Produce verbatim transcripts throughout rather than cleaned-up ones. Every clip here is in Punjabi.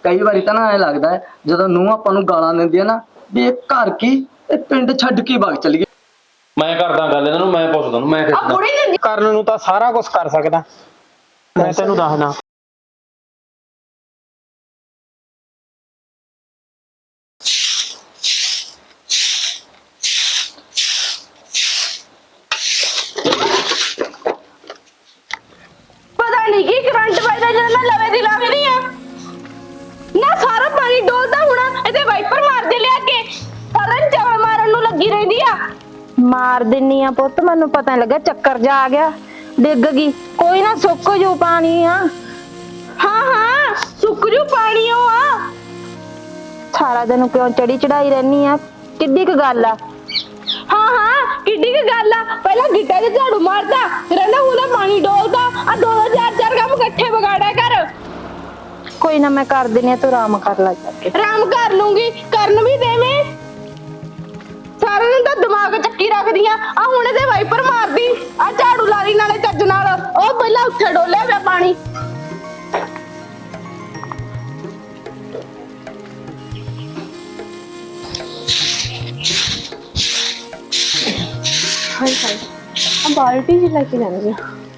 कई बारी तो ना ऐ लगता है जो नूंह आपां नूं गालां दिंदी है ना भी ये घर की पिंड छड्ड के भाग चली गई। मैं करदा गल इन्हां नूं, मैं पुछदा मैं किसदा ਕਰਨ ਨੂੰ ਤਾਂ ਸਾਰਾ ਕੁਝ ਕਰ ਸਕਦਾ ਮੈਂ ਤੈਨੂੰ ਦੱਸਦਾ। पता नहीं की करंट वजदा जद मैं लवे दी लावे नहीं आ ना सारा पानी डोलदा हुणा इते वाइपर मार दे लिया के सारा चवल मारन नूं लगी रहिंदी आ। मार दिन्नी आ पुੱਤ ਮੈਨੂੰ ਪਤਾ ਨਹੀਂ ਲੱਗਾ ਚੱਕਰ ਜਾ ਆ ਗਿਆ ਡਿੱਗ ਗਈ ਕੋਈ ਨਾ ਸੁੱਕ ਜੂ ਪਾਣੀ ਆ। ਹਾਂ ਹਾਂ ਸੁੱਕ ਜੂ ਪਾਣੀ ਆ ਸਾਰਾ ਦਿਨ ਕਿਉਂ ਚੜੀ ਚੜਾਈ ਰਹਿਨੀ ਆ ਕਿੱਡੀ ਕ ਗੱਲ ਆ। हाँ हाँ किड्डी की गल आ पहला गिट्टा ते झाड़ू मारदा रहंदा हुंदा पानी डोलदा आ दो दो चार चार काम इकट्ठे बगाड़ा कर। कोई ना मैं कर देनी तू आराम कर ला जाके। आराम कर लूंगी करन भी देवे सारे दिन तो दिमाग चक्की रखदी आ आ हुणे ते वाइपर मारदी आ झाड़ू ला ली नाले चज नाल ओ पहला उत्थे डोलिया पिया पानी। हाय हाय अब बाल्टी जी लेके जानी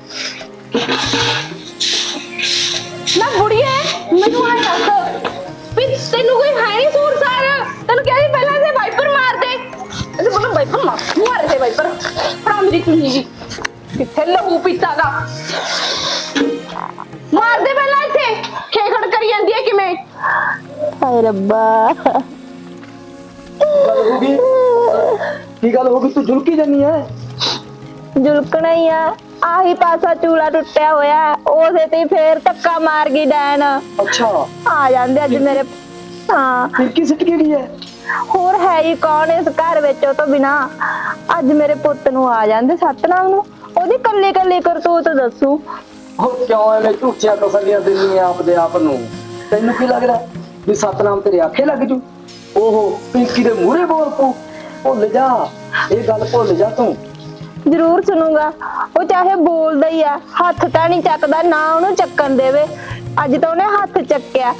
ना बुढ़िए मैनू आ दस भी तेनू कोई है नहीं सूर सार तेनू कह रही पहले से वाइपर मार दे ऐसे बोलो वाइपर मार मार दे वाइपर फड़ा मेरी चुन्नी जी किथे लहू पीता दा मार दे पहला इथे खेखड़ करी जांदी है किवें। हाय रब्बा गल होगी की गल होगी तू झुलकी जानी है। झुलकना ही आ आही पासा चूला टुटिया होया ओसे ते फिर धक्का मार गई डैन। अच्छा आ जांदे अज मेरे हां फिरकी सिट गई है होर है ही कौन इस घर विच तो बिना अज मेरे पुੱਤ ਨੂੰ आ जांदे सतनाम ਨੂੰ ओदी कल्ली कल्ली करतूत दसू। हो क्यों एवें झूठियां तसल्लियां दिंदी आप दे आप नूं तैनू की लगदा भी सतनाम तेरे आखे लग जू। ओहो पिंकी दे मूहरे बोल पू भुल जा ये गल भुल जा तू। जरूर सुनूंगा वो चाहे बोलदा ही आ हथ तां नहीं चकदा ना ओनू चक्कन देवे अज तो ओने हथ चक्किया।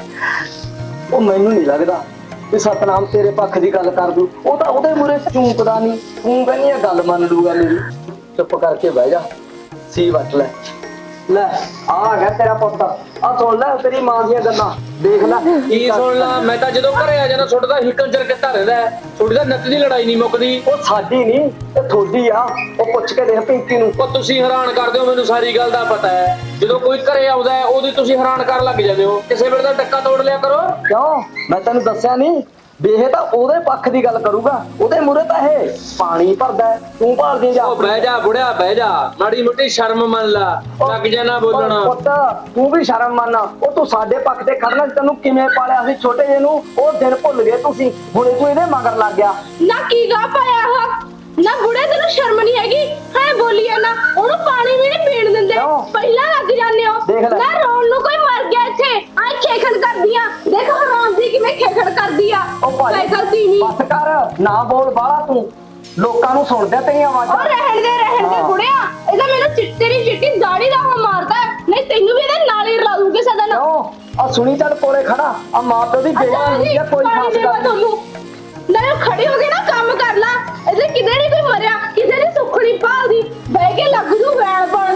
ओ मैनू नहीं लगदा भी सतनाम तेरे पक्ष दी गल कर दू ओ तां ओदे मूहरे चूंकदा नहीं तू कहनी है गल मन लूगा मेरी। चुप करके बह जा सी वट ले ले आ गया तेरा पुੱਤ आ सुन ले तेरी मां दी गल्लां देख ले की सुन ला। मैं तो जो घरे आ जाना छोटा हिकल चर किता रहंदा है छोटी दा नत दी लड़ाई नहीं मुकदी। ओ साडी नहीं ते थोड़ी आ ओ पुੱਛ के देख पिंकी नूं। ओ तुसी हैरान कर दिओ मैनू सारी गल दा पता है जो कोई घरे आउंदा है ओदी तुसी हैरान कर लग जांदे हो किसे वेले दा टक्का तोड़ लिया करो। क्यों मैं तैनू दस्सिया नहीं बेहे तां ओदे पक्ष दी गल करूगा ओदे मूहरे तां हे पानी भरदा है तू भाल दे जा। ओ बह जा बुढ़िया बह जा माड़ी मोटी शर्म मान ला लग जाना बोलना। पुੱਤ तू भी शर्म मान ओ तू साडे पक्ष ते खड़ना तैनू किवें पालिया सी छोटे जे नूं ओ दिन भुल गए तुसी हुणे तू इहदे मगर लग गया। ना की गा पाया हो ना बुढ़े तेनू शर्म नहीं हैगी है बोलिए ना ओनू पानी भी नहीं पीण दिंदे पहला लग जाने हो ना रोन नू कोई मर गया इथे आ खेखड़ कर दिया देख हराम दी किवें खेखड़ कर दिया ओ भाई साइकिल तीनी बस कर ना बोल बाला तू लोकां नू सुणदे तेरी आवाज़ और रहन दे रहन दे बुढ़िया ਇਹਦਾ ਮੈਨੂੰ ਚਿੱਟੇ ਦੀ ਚਿੱਟੀ ਦਾੜੀ ਦਾ ਹੋ ਮਾਰਦਾ ਨਹੀਂ ਤੈਨੂੰ ਵੀ ਇਹਦੇ ਨਾਲ ਹੀ ਰਲਾ ਦੂੰਗੇ ਸਦਾ ਨਾ। आ सुनी चल कोले खड़ा आ मां प्यो दी बेइज्जती है कोई खास गल नहीं। ना खड़ी हो गई ना काम कर ला ਇਹਦੇ ਕਿਤੇ ਨਹੀਂ ਕੋਈ ਮਰਿਆ ਕਿਸੇ ਦੀ ਸੁੱਖੜੀ ਭਾਲਦੀ ਬਹਿ ਕੇ ਲੱਗ ਜੂ ਵੈਣ ਬਣ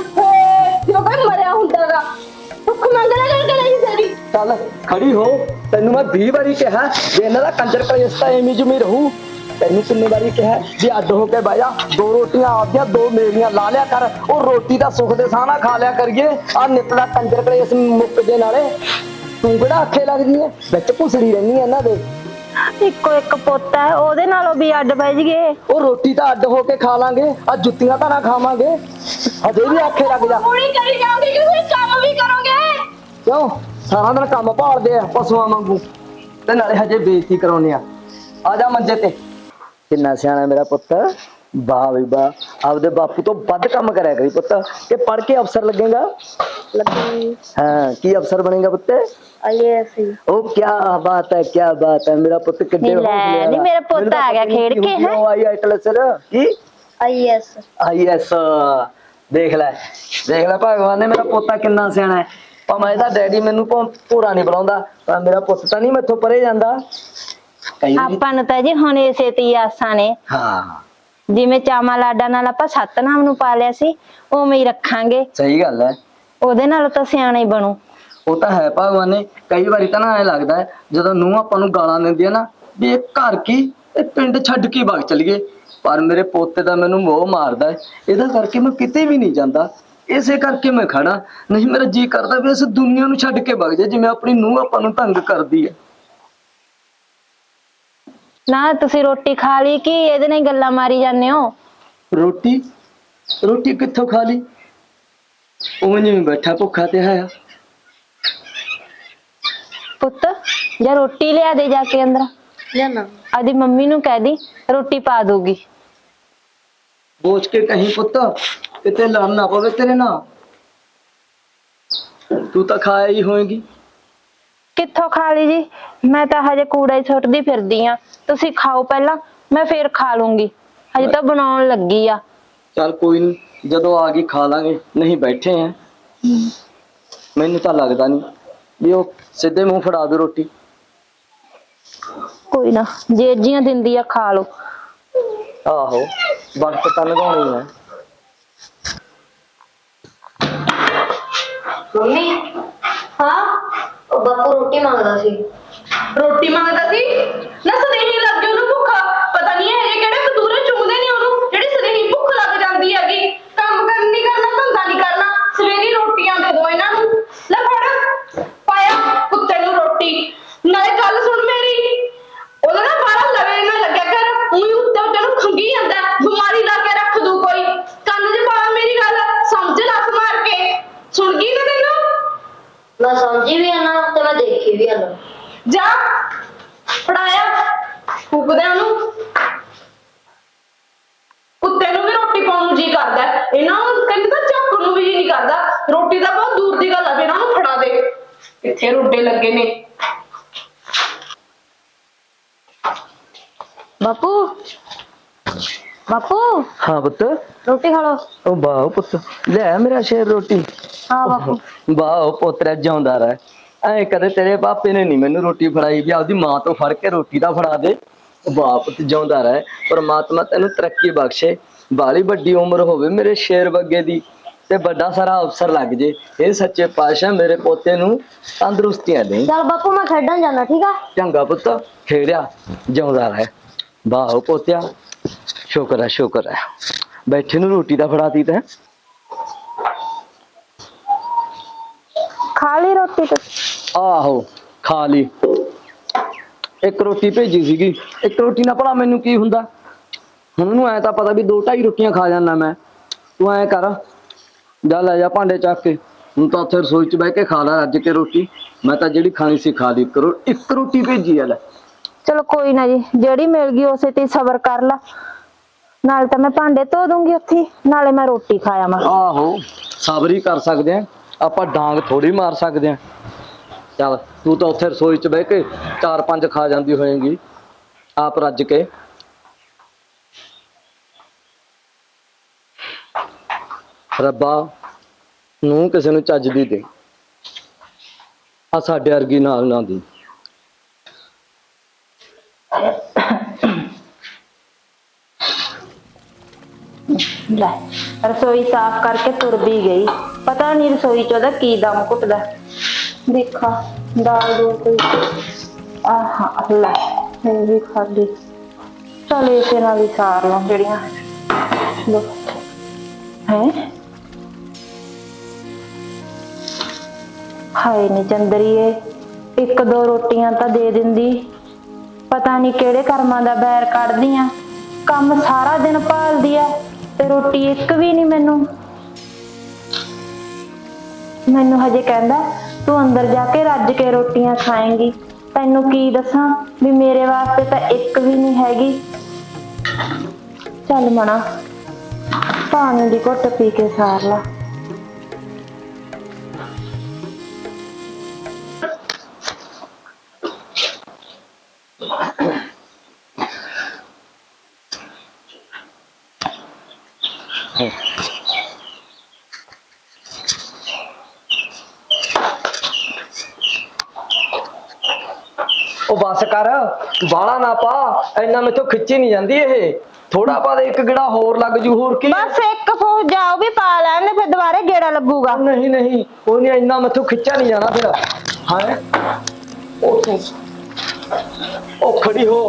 ਜੋ ਕੋਈ ਮਰਿਆ ਹੁੰਦਾਗਾ ਸੁੱਖ ਮੰਗਣਾ ਕਰਕੇ ਨਹੀਂ ਸਰੀ। चल खड़ी हो तेनू मैं बीस बारी कहा जे इन्हां दा कंजर कलेस्ता एवें जुमी रहू तेनू किन्नी बारी कहा जे अड्ड हो के बह जा दो रोटियां आपदियां दो मेरियां ला लिया कर ओ रोटी दा सुख दे साह ना खा लिया करिए आ निकला कंजर कलेस मुक जे नाले तू किहड़ा आखे लगदी है विच भुसड़ी रहनी है इन्हां दे। ਇੱਕੋ ਇੱਕ ਪੁੱਤ ਹੈ ਉਹਦੇ ਨਾਲੋਂ ਵੀ ਅੱਡ ਬਹਿ ਜਗੇ ਉਹ ਰੋਟੀ ਤਾਂ ਅੱਡ ਹੋ ਕੇ ਖਾ ਲਾਂਗੇ ਆ ਜੁੱਤੀਆਂ ਤਾਂ ਨਾ ਖਾਵਾਂਗੇ ਹਜੇ ਵੀ ਆਖੇ ਲੱਗ ਜਾ ਪੂਰੀ ਕਰੀ ਜਾਓਗੇ ਕਿ ਤੁਸੀਂ ਕੰਮ ਵੀ ਕਰੋਗੇ ਕਿਉਂ ਸਾਰਾ ਦਿਨ ਕੰਮ ਭਾਲਦੇ ਆ ਪਸ਼ੂਆਂ ਵਾਂਗੂ ਤੇ ਨਾਲੇ ਹਜੇ ਬੇਇੱਜ਼ਤੀ ਕਰਾਉਨੇ ਆ ਆ ਜਾ ਮੰਜੇ ਤੇ ਕਿੰਨਾ ਸਿਆਣਾ ਮੇਰਾ ਪੁੱਤ ਵਾਹ ਵੀ ਵਾਹ ਆਪਦੇ ਬਾਪੂ ਤੋਂ ਵੱਧ ਕੰਮ ਕਰਿਆ ਕਰੀ ਪੁੱਤ ਕਿ ਪੜ੍ਹ ਕੇ ਅਫਸਰ ਲੱਗੇਗਾ ਲੱਗੀ ਹਾਂ ਕੀ ਅਫਸਰ ਬਣੇਗਾ ਪੁੱਤ ਆਈਏਐਸ ओ क्या बात है क्या बात है मेरा पुत्र किड्डे नहीं नहीं मेरा पोता आ गया खेड़ के है आई आईएस की आईएएस आईएएस देख ले देख ले भगवान ने मेरा पोता कितना सियाना है ਭਾਵੇਂ ਇਹਦਾ ਡੈਡੀ ਮੈਨੂੰ ਭੌਂ- ਭੋਰਾ ਨਹੀਂ ਬੁਲਾਉਂਦਾ, ਪਰ ਮੇਰਾ ਪੁੱਤ ਤਾਂ ਨਹੀਂ ਮੈਥੋਂ ਪਰੇ ਜਾਂਦਾ। ਕਈ ਵਾਰੀ ਆਪਾਂ ਨੂੰ ਤਾਂ ਜੀ ਹੁਣ ਇਸੇ ਤੇ ਹੀ ਆਸਾਂ ਨੇ। ਹਾਂ ਜਿਵੇਂ ਚਾਵਾਂ ਲਾਡਾਂ ਨਾਲ ਆਪਾਂ ਸਤਨਾਮ ਨੂੰ ਪਾਲਿਆ ਸੀ, ਉਵੇਂ ਹੀ ਰੱਖਾਂਗੇ। ਸਹੀ ਗੱਲ ਹੈ। ਉਹਦੇ ਨਾਲ ਤਾਂ ਸਿਆਣਾ ਹੀ ਬਣੂ। ਉਹ ਤਾਂ ਹੈ ਭਗਵਾਨ ਨੇ। ਕਈ ਵਾਰੀ ਤਾਂ ਨਾ ਐ ਲੱਗਦਾ ਹੈ ਜਦੋਂ ਨੂੰਹ ਆਪਾਂ ਨੂੰ ਗਾਲਾਂ ਦਿੰਦੀ ਹੈ ਨਾ, ਵੀ ਇਹ ਘਰ ਕੀ ਇਹ ਪਿੰਡ ਛੱਡ ਕੇ ਵਗ ਚਲੀਏ, ਪਰ ਮੇਰੇ ਪੋਤੇ ਦਾ ਮੈਨੂੰ ਮੋਹ ਮਾਰਦਾ ਹੈ। ਇਹਦਾ ਕਰਕੇ ਮੈਂ ਕਿਤੇ ਵੀ ਨਹੀਂ ਜਾਂਦਾ, ਇਸੇ ਕਰਕੇ ਮੈਂ ਖੜਾ। ਨਹੀਂ ਮੇਰਾ ਜੀ ਕਰਦਾ ਵੀ ਇਸ ਦੁਨੀਆ ਨੂੰ ਛੱਡ ਕੇ ਵਗ ਜਾ, ਜਿਵੇਂ ਆਪਣੀ ਨੂੰਹ ਆਪਾਂ ਨੂੰ ਤੰਗ ਕਰਦੀ ਹੈ। ਨਾ ਤੁਸੀਂ ਰੋਟੀ ਖਾ ਲਈ ਕਿ ਇਹਦੇ ਨਾਲ ਹੀ ਗੱਲਾਂ ਮਾਰੀ ਜਾਂਦੇ ਹੋ? ਰੋਟੀ ਰੋਟੀ ਕਿੱਥੋਂ ਖਾ ਲਈ? ਉਹ ਜਿਵੇਂ ਬੈਠਾ ਭੁੱਖਾ ਤੇ ਆਇਆ। ਪੁੱਤ ਜਾਂ ਰੋਟੀ ਲਿਆ ਦੇ ਜਾ ਕੇ ਅੰਦਰ। ਲਿਆਣਾ। ਆਦੀ ਮੰਮੀ ਨੂੰ ਕਹਿ ਦੀ ਰੋਟੀ ਪਾ ਦੂਗੀ। ਬੋਝ ਕੇ ਕਹੀਂ ਪੁੱਤ, ਕਿਤੇ ਲੜ ਨਾ ਪਵੇ ਤੇਰੇ ਨਾਲ। ਤੂੰ ਤਾਂ ਖਾਇਆ ਹੀ ਹੋਏਗੀ। ਕਿੱਥੋਂ ਖਾ ਲਈ ਜੀ? ਮੈਂ ਤਾਂ ਹਜੇ ਕੂੜਾ ਹੀ ਸੁੱਟਦੀ ਫਿਰਦੀ ਆ। ਤੁਸੀਂ ਖਾਓ ਪਹਿਲਾਂ, ਮੈਂ ਫੇਰ ਖਾ ਲੂੰਗੀ। ਹਜੇ ਤਾਂ ਬਣਾਉਣ ਲੱਗੀ ਆ। ਚੱਲ ਕੋਈ ਨਹੀਂ, ਜਦੋਂ ਆ ਗਈ ਖਾ ਲਾਂਗੇ, ਨਹੀਂ ਬੈਠੇ ਆ। ਮੈਨੂੰ ਤਾਂ ਲੱਗਦਾ ਨਹੀਂ ਵੀ ਉਹ ਸਿੱਧੇ ਮੂੰਹ ਫੜਾ ਦੂ ਰੋਟੀ। ਕੋਈ ਨਾ, ਜੇ ਜੀਆਂ ਦਿੰਦੀ ਆ ਖਾ ਲਓ। ਆਹੋ ਵਕਤ ਤਾਂ ਲਗਾਉਣੀ ਹੈ। ਮੰਮੀ ਹਾਂ ਉਹ ਬਾਪੂ ਰੋਟੀ ਮੰਗਦਾ ਸੀ। ਰੋਟੀ ਮੰਗਦਾ ਸੀ ਨਾ? ਸਦੇਹੀ ਲੱਗ ਗਈ ਉਹਨੂੰ ਭੁੱਖ। ਪਤਾ ਨਹੀਂ ਇਹ ਕਿਹੜੇ ਕਤੂਰੇ ਚੁੰਗਦੇ ਨੇ ਉਹਨੂੰ, ਜਿਹੜੀ ਸਦੇਹੀ ਭੁੱਖ ਲੱਗ ਜਾਂਦੀ ਹੈਗੀ। ਕੰਮ ਕਰਨ ਨਹੀਂ ਕਰਨਾ, ਧੰਦਾ ਨਹੀਂ ਕਰਨਾ, ਸਵੇਰੀ ਰੋਟੀਆਂ ਦੇ ਦੋ ਇਹਨਾਂ ਨੂੰ। ਲੈ ਫੜ ਪਾਇਆ ਕੁੱਤੇ ਨੂੰ ਰੋਟੀ। ਨਾਲੇ ਗੱਲ ਸੁਣ ਮੇਰੀ, ਉਹਦਾ ਨਾ ਬਾਹਰ ਲਵੇ ਨਾ ਲੱਗਿਆ ਕਰ। ਉਹੀ ਉੱਤੇ ਉੱਤੇ ਨੂੰ ਖੰਗੀ ਜਾਂਦਾ, ਬਿਮਾਰੀ ਲਾ ਕੇ ਰੱਖ ਦੂ ਕੋਈ। ਕੰਨ 'ਚ ਪਾ ਮੇਰੀ ਗੱਲ, ਸਮਝ ਲੱਸ ਮਾਰ ਕੇ। ਸੁਣ ਗਈ ਨਾ ਤੈਨੂੰ? ਮੈਂ ਸਮਝੀ ਵੀ ਆਣਾ ਤੇ ਮੈਂ ਦੇਖੀ ਵੀ ਆਣਾ। ਜਾ ਫੜਾਇਆ ਫੂਕਦੇ ਉਹਨੂੰ। ਕੁੱਤੇ ਨੂੰ ਵੀ ਰੋਟੀ ਪਾਉਣ ਨੂੰ ਜੀ ਕਰਦਾ, ਇਹਨਾਂ ਨੂੰ ਕਹਿੰਦੇ ਤਾਂ ਚੱਕ ਨੂੰ ਵੀ ਜੀ ਨਹੀਂ ਕਰਦਾ। ਰੋਟੀ ਤਾਂ ਬਹੁਤ ਦੂਰ ਦੀ ਗੱਲ ਆ, ਫਿਰ ਇਹਨਾਂ ਨੂੰ ਫੜਾ ਦੇ। ਕਿੱਥੇ ਰੋਡੇ ਲੱਗੇ ਨੇ। ਬਾਪੂ ਬਾਪੂ ਹਾਂ ਪੁੱਤ। ਰੋਟੀ ਖਾ ਲੋ। ਉਹ ਵਾਹ ਪੁੱਤ, ਲੈ ਮੇਰਾ ਸ਼ੇਰ ਰੋਟੀ। ਹਾਂ ਬਾਪੂ। ਵਾਹ ਪੋਤਰਾ ਜਿਉਂਦਾ ਰਹਿ। ਐ ਕਦੇ ਤੇਰੇ ਪਾਪੇ ਨੇ ਨਹੀਂ ਮੈਨੂੰ ਰੋਟੀ ਫੜਾਈ ਵੀ ਆਪਦੀ ਮਾਂ ਤੋਂ ਫੜ ਕੇ ਰੋਟੀ ਦਾ ਫੜਾ ਦੇ। ਵਾਹ ਪੁੱਤ ਜਿਉਂਦਾ ਰਹਿ, ਪਰਮਾਤਮਾ ਤੈਨੂੰ ਤਰੱਕੀ ਬਖਸ਼ੇ, ਬਾਲੀ ਵੱਡੀ ਉਮਰ ਹੋਵੇ ਮੇਰੇ ਸ਼ੇਰ ਵਰਗੇ ਦੀ, ਤੇ ਵੱਡਾ ਸਾਰਾ ਅਫਸਰ ਲੱਗ ਜੇ। ਇਹ ਸੱਚੇ ਪਾਤਸ਼ਾਹ ਮੇਰੇ ਪੋਤੇ ਨੂੰ ਤੰਦਰੁਸਤੀਆਂ ਦੇ। ਚੱਲ ਬਾਪੂ ਮੈਂ ਖੇਡਣ ਜਾਣਾ, ਠੀਕ ਆ? ਚੰਗਾ ਪੁੱਤ, ਖੇੜਿਆ ਜਿਉਂਦਾ ਰਹਿ। ਵਾਹ ਪੋਤਿਆ, ਸ਼ੁਕਰ ਹੈ ਸ਼ੁਕਰ ਹੈ, ਬੈਠੇ ਨੂੰ ਰੋਟੀ ਦਾ ਫੜਾਤੀ ਤੈਂ। ਖਾ ਲਈ ਰੋਟੀ ਤੇ? ਆਹੋ ਖਾ ਲਈ। ਇੱਕ ਰੋਟੀ ਭੇਜੀ ਸੀਗੀ, ਇੱਕ ਰੋਟੀ ਨਾਲ ਭਲਾ ਮੈਨੂੰ ਕੀ ਹੁੰਦਾ। ਹੁਣ ਉਹਨੂੰ ਐ ਤਾਂ ਪਤਾ ਵੀ ਦੋ ਢਾਈ ਰੋਟੀਆਂ ਖਾ ਜਾਂਦਾ ਮੈਂ। ਤੂੰ ਐ ਕਰ, ਜਾ ਲੈ ਜਾ ਭਾਂਡੇ ਚੱਕ ਕੇ। ਹੁਣ ਤਾਂ ਉੱਥੇ ਰਸੋਈ 'ਚ ਬਹਿ ਕੇ ਖਾ ਲੈ ਰੱਜ ਕੇ ਰੋਟੀ। ਮੈਂ ਤਾਂ ਜਿਹੜੀ ਖਾਣੀ ਸੀ ਖਾ ਲਈ। ਕਰੋ ਇੱਕ ਰੋਟੀ ਭੇਜੀ ਆ ਲੈ। ਚਲੋ ਕੋਈ ਨਾ ਜੀ, ਜਿਹੜੀ ਮਿਲ ਗਈ ਉਸੇ ਤੇ ਸਬਰ ਕਰ ਲਾ। ਨਾਲੇ ਤਾਂ ਮੈਂ ਭਾਂਡੇ ਧੋ ਦੂੰਗੀ ਉੱਥੇ, ਨਾਲੇ ਮੈਂ ਰੋਟੀ ਖਾਇਆ ਮੈਂ। ਆਹੋ ਸਬਰ ਹੀ ਕਰ ਸਕਦੇ ਆ ਆਪਾਂ, ਡਾਂਗ ਥੋੜੀ ਮਾਰ ਸਕਦੇ ਆ। ਚੱਲ ਤੂੰ ਤਾਂ ਉੱਥੇ ਰਸੋਈ 'ਚ ਬਹਿ ਕੇ ਚਾਰ ਪੰਜ ਖਾ ਜਾਂਦੀ ਹੋਏਗੀ ਆਪ ਰੱਜ ਕੇ। ਰੱਬਾ ਨੂੰ ਕਿਸੇ ਨੂੰ ਚੱਜ ਦੀ ਦੇ, ਆ ਸਾਡੇ ਵਰਗੀ ਨਾਲ ਨਾ ਦੀ। ਲੈ ਰਸੋਈ ਸਾਫ਼ ਕਰਕੇ ਤੁਰ ਵੀ ਗਈ। ਪਤਾ ਨਹੀਂ ਰਸੋਈ 'ਚ ਉਹਦਾ ਕੀ ਦਮ ਘੁੱਟਦਾ। ਦੇਖਾ ਦਾਲ ਦੋ ਕੋਈ। ਆਹ ਲੈ ਇਹ ਵੀ ਖਾਲੀ। ਚਲ ਇਸੇ ਨਾਲ ਹੀ ਸਾਰ ਲਾਂ ਜਿਹੜੀਆਂ ਲੋ ਹੈ। ਹਾਏ ਨੀ ਚੰਦਰੀਏ, ਇੱਕ ਦੋ ਰੋਟੀਆਂ ਤਾਂ ਦੇ ਦਿੰਦੀ। ਪਤਾ ਨਹੀਂ ਕਿਹੜੇ ਕਰਮਾਂ ਦਾ ਬੈਰ ਕੱਢਦੀ ਆ। ਕੰਮ ਸਾਰਾ ਦਿਨ ਭਾਲਦੀ ਆ ਤੇ ਰੋਟੀ ਇੱਕ ਵੀ ਨਹੀਂ ਮੈਨੂੰ। ਮੈਨੂੰ ਹਜੇ ਕਹਿੰਦਾ ਤੂੰ ਅੰਦਰ ਜਾ ਕੇ ਰੱਜ ਕੇ ਰੋਟੀਆਂ ਖਾਏਂਗੀ। ਤੈਨੂੰ ਕੀ ਦੱਸਾਂ ਵੀ ਮੇਰੇ ਵਾਸਤੇ ਤਾਂ ਇੱਕ ਵੀ ਨਹੀਂ ਹੈਗੀ। ਚੱਲ ਮਣਾ ਪਾਣੀ ਦੀ ਘੁੱਟ ਪੀ ਕੇ ਸਾਰ ਲਾ। ਉਹ ਬਸ ਕਰ, ਬਾਲਾ ਨਾ ਪਾ, ਇੰਨਾ ਮੈਥੋਂ ਖਿੱਚੀ ਨਹੀਂ ਜਾਂਦੀ ਇਹ। ਥੋੜਾ ਬਾਅਦ ਇੱਕ ਗੇੜਾ ਹੋਰ ਲੱਗ ਜੂ, ਹੋਰ ਕੀ। ਬਸ ਇੱਕ ਫੂਕ ਜਾਓ ਵੀ ਪਾ ਲੈਣ ਫਿਰ ਦੁਬਾਰੇ ਗੇੜਾ ਲੱਗੂਗਾ। ਨਹੀਂ ਨਹੀਂ ਉਹ ਨਹੀਂ, ਇੰਨਾ ਮੈਥੋਂ ਖਿੱਚਿਆ ਨਹੀਂ ਜਾਣਾ ਫਿਰ। ਹਾਂ ਉਹ ਤੂੰ ਉਹ ਖੜੀ ਹੋ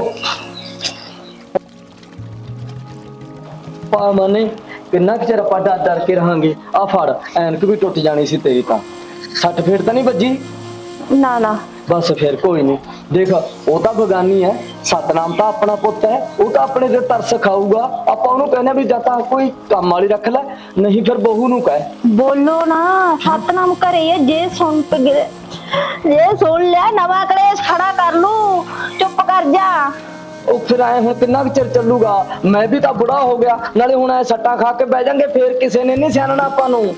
ਪਾ ਮਨੇ, ਕਿੰਨਾ ਕੁ ਚਿਰ ਆਪਾਂ ਡਰ ਡਰ ਕੇ ਰਹਾਂਗੇ। ਆ ਫੜ, ਐਨਕ ਵੀ ਟੁੱਟ ਜਾਣੀ ਸੀ ਤੇਰੀ ਤਾਂ। ਸੱਟ ਫੇਟ ਤਾਂ ਨਹੀਂ ਵੱਜੀ? ਨਾ ਨਾ ਬਸ ਫਿਰ ਕੋਈ ਨਹੀਂ। ਦੇਖ ਉਹ ਤਾਂ ਬਗਾਨੀ ਹੈ, ਸਤਨਾਮ ਤਾਂ ਆਪਣਾ ਪੁੱਤ ਹੈ, ਉਹ ਤਾਂ ਆਪਣੇ ਤੇ ਤਰਸ ਖਾਊਗਾ। ਆਪਾਂ ਉਹਨੂੰ ਕਹਿੰਦੇ ਵੀ ਜਾਂ ਤਾਂ ਕੋਈ ਕੰਮ ਵਾਲੀ ਰੱਖ ਲੈ, ਨਹੀਂ ਫਿਰ ਬਹੂ ਨੂੰ ਕਹਿ। ਬੋਲੋ ਨਾ, ਸਤਨਾਮ ਘਰੇ ਹੈ, ਜੇ ਸੁਣ ਪ ਗਏ ਜੇ ਸੁਣ ਲਿਆ ਨਵਾਂ ਕਲੇਸ਼ ਖੜਾ ਕਰ ਲੂ। ਚੁੱਪ ਕਰ ਜਾ। ਉਹ ਫਿਰ ਆਏ ਹੁਣ ਕਿੰਨਾ ਕੁ ਚਿਰ ਚੱਲੂਗਾ? ਮੈਂ ਵੀ ਤਾਂ ਬੁੜਾ ਹੋ ਗਿਆ, ਨਾਲੇ ਹੁਣ ਐ ਸੱਟਾਂ ਖਾ ਕੇ ਬਹਿ ਜਾਂਗੇ, ਫੇਰ ਕਿਸੇ ਨੇ ਨਹੀਂ ਸਿਆਣਨਾ ਆਪਾਂ ਨੂੰ।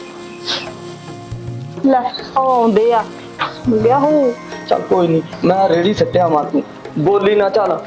ਲੈ ਉਹ ਆਉਂਦੇ ਆ ਵਿਆਹੂ। ਚੱਲ ਕੋਈ ਨਹੀਂ, ਮੈਂ ਰੇੜੀ ਸੱਟਿਆ ਮਾਰ, ਤੂੰ ਬੋਲੀ ਨਾ। ਚੱਲ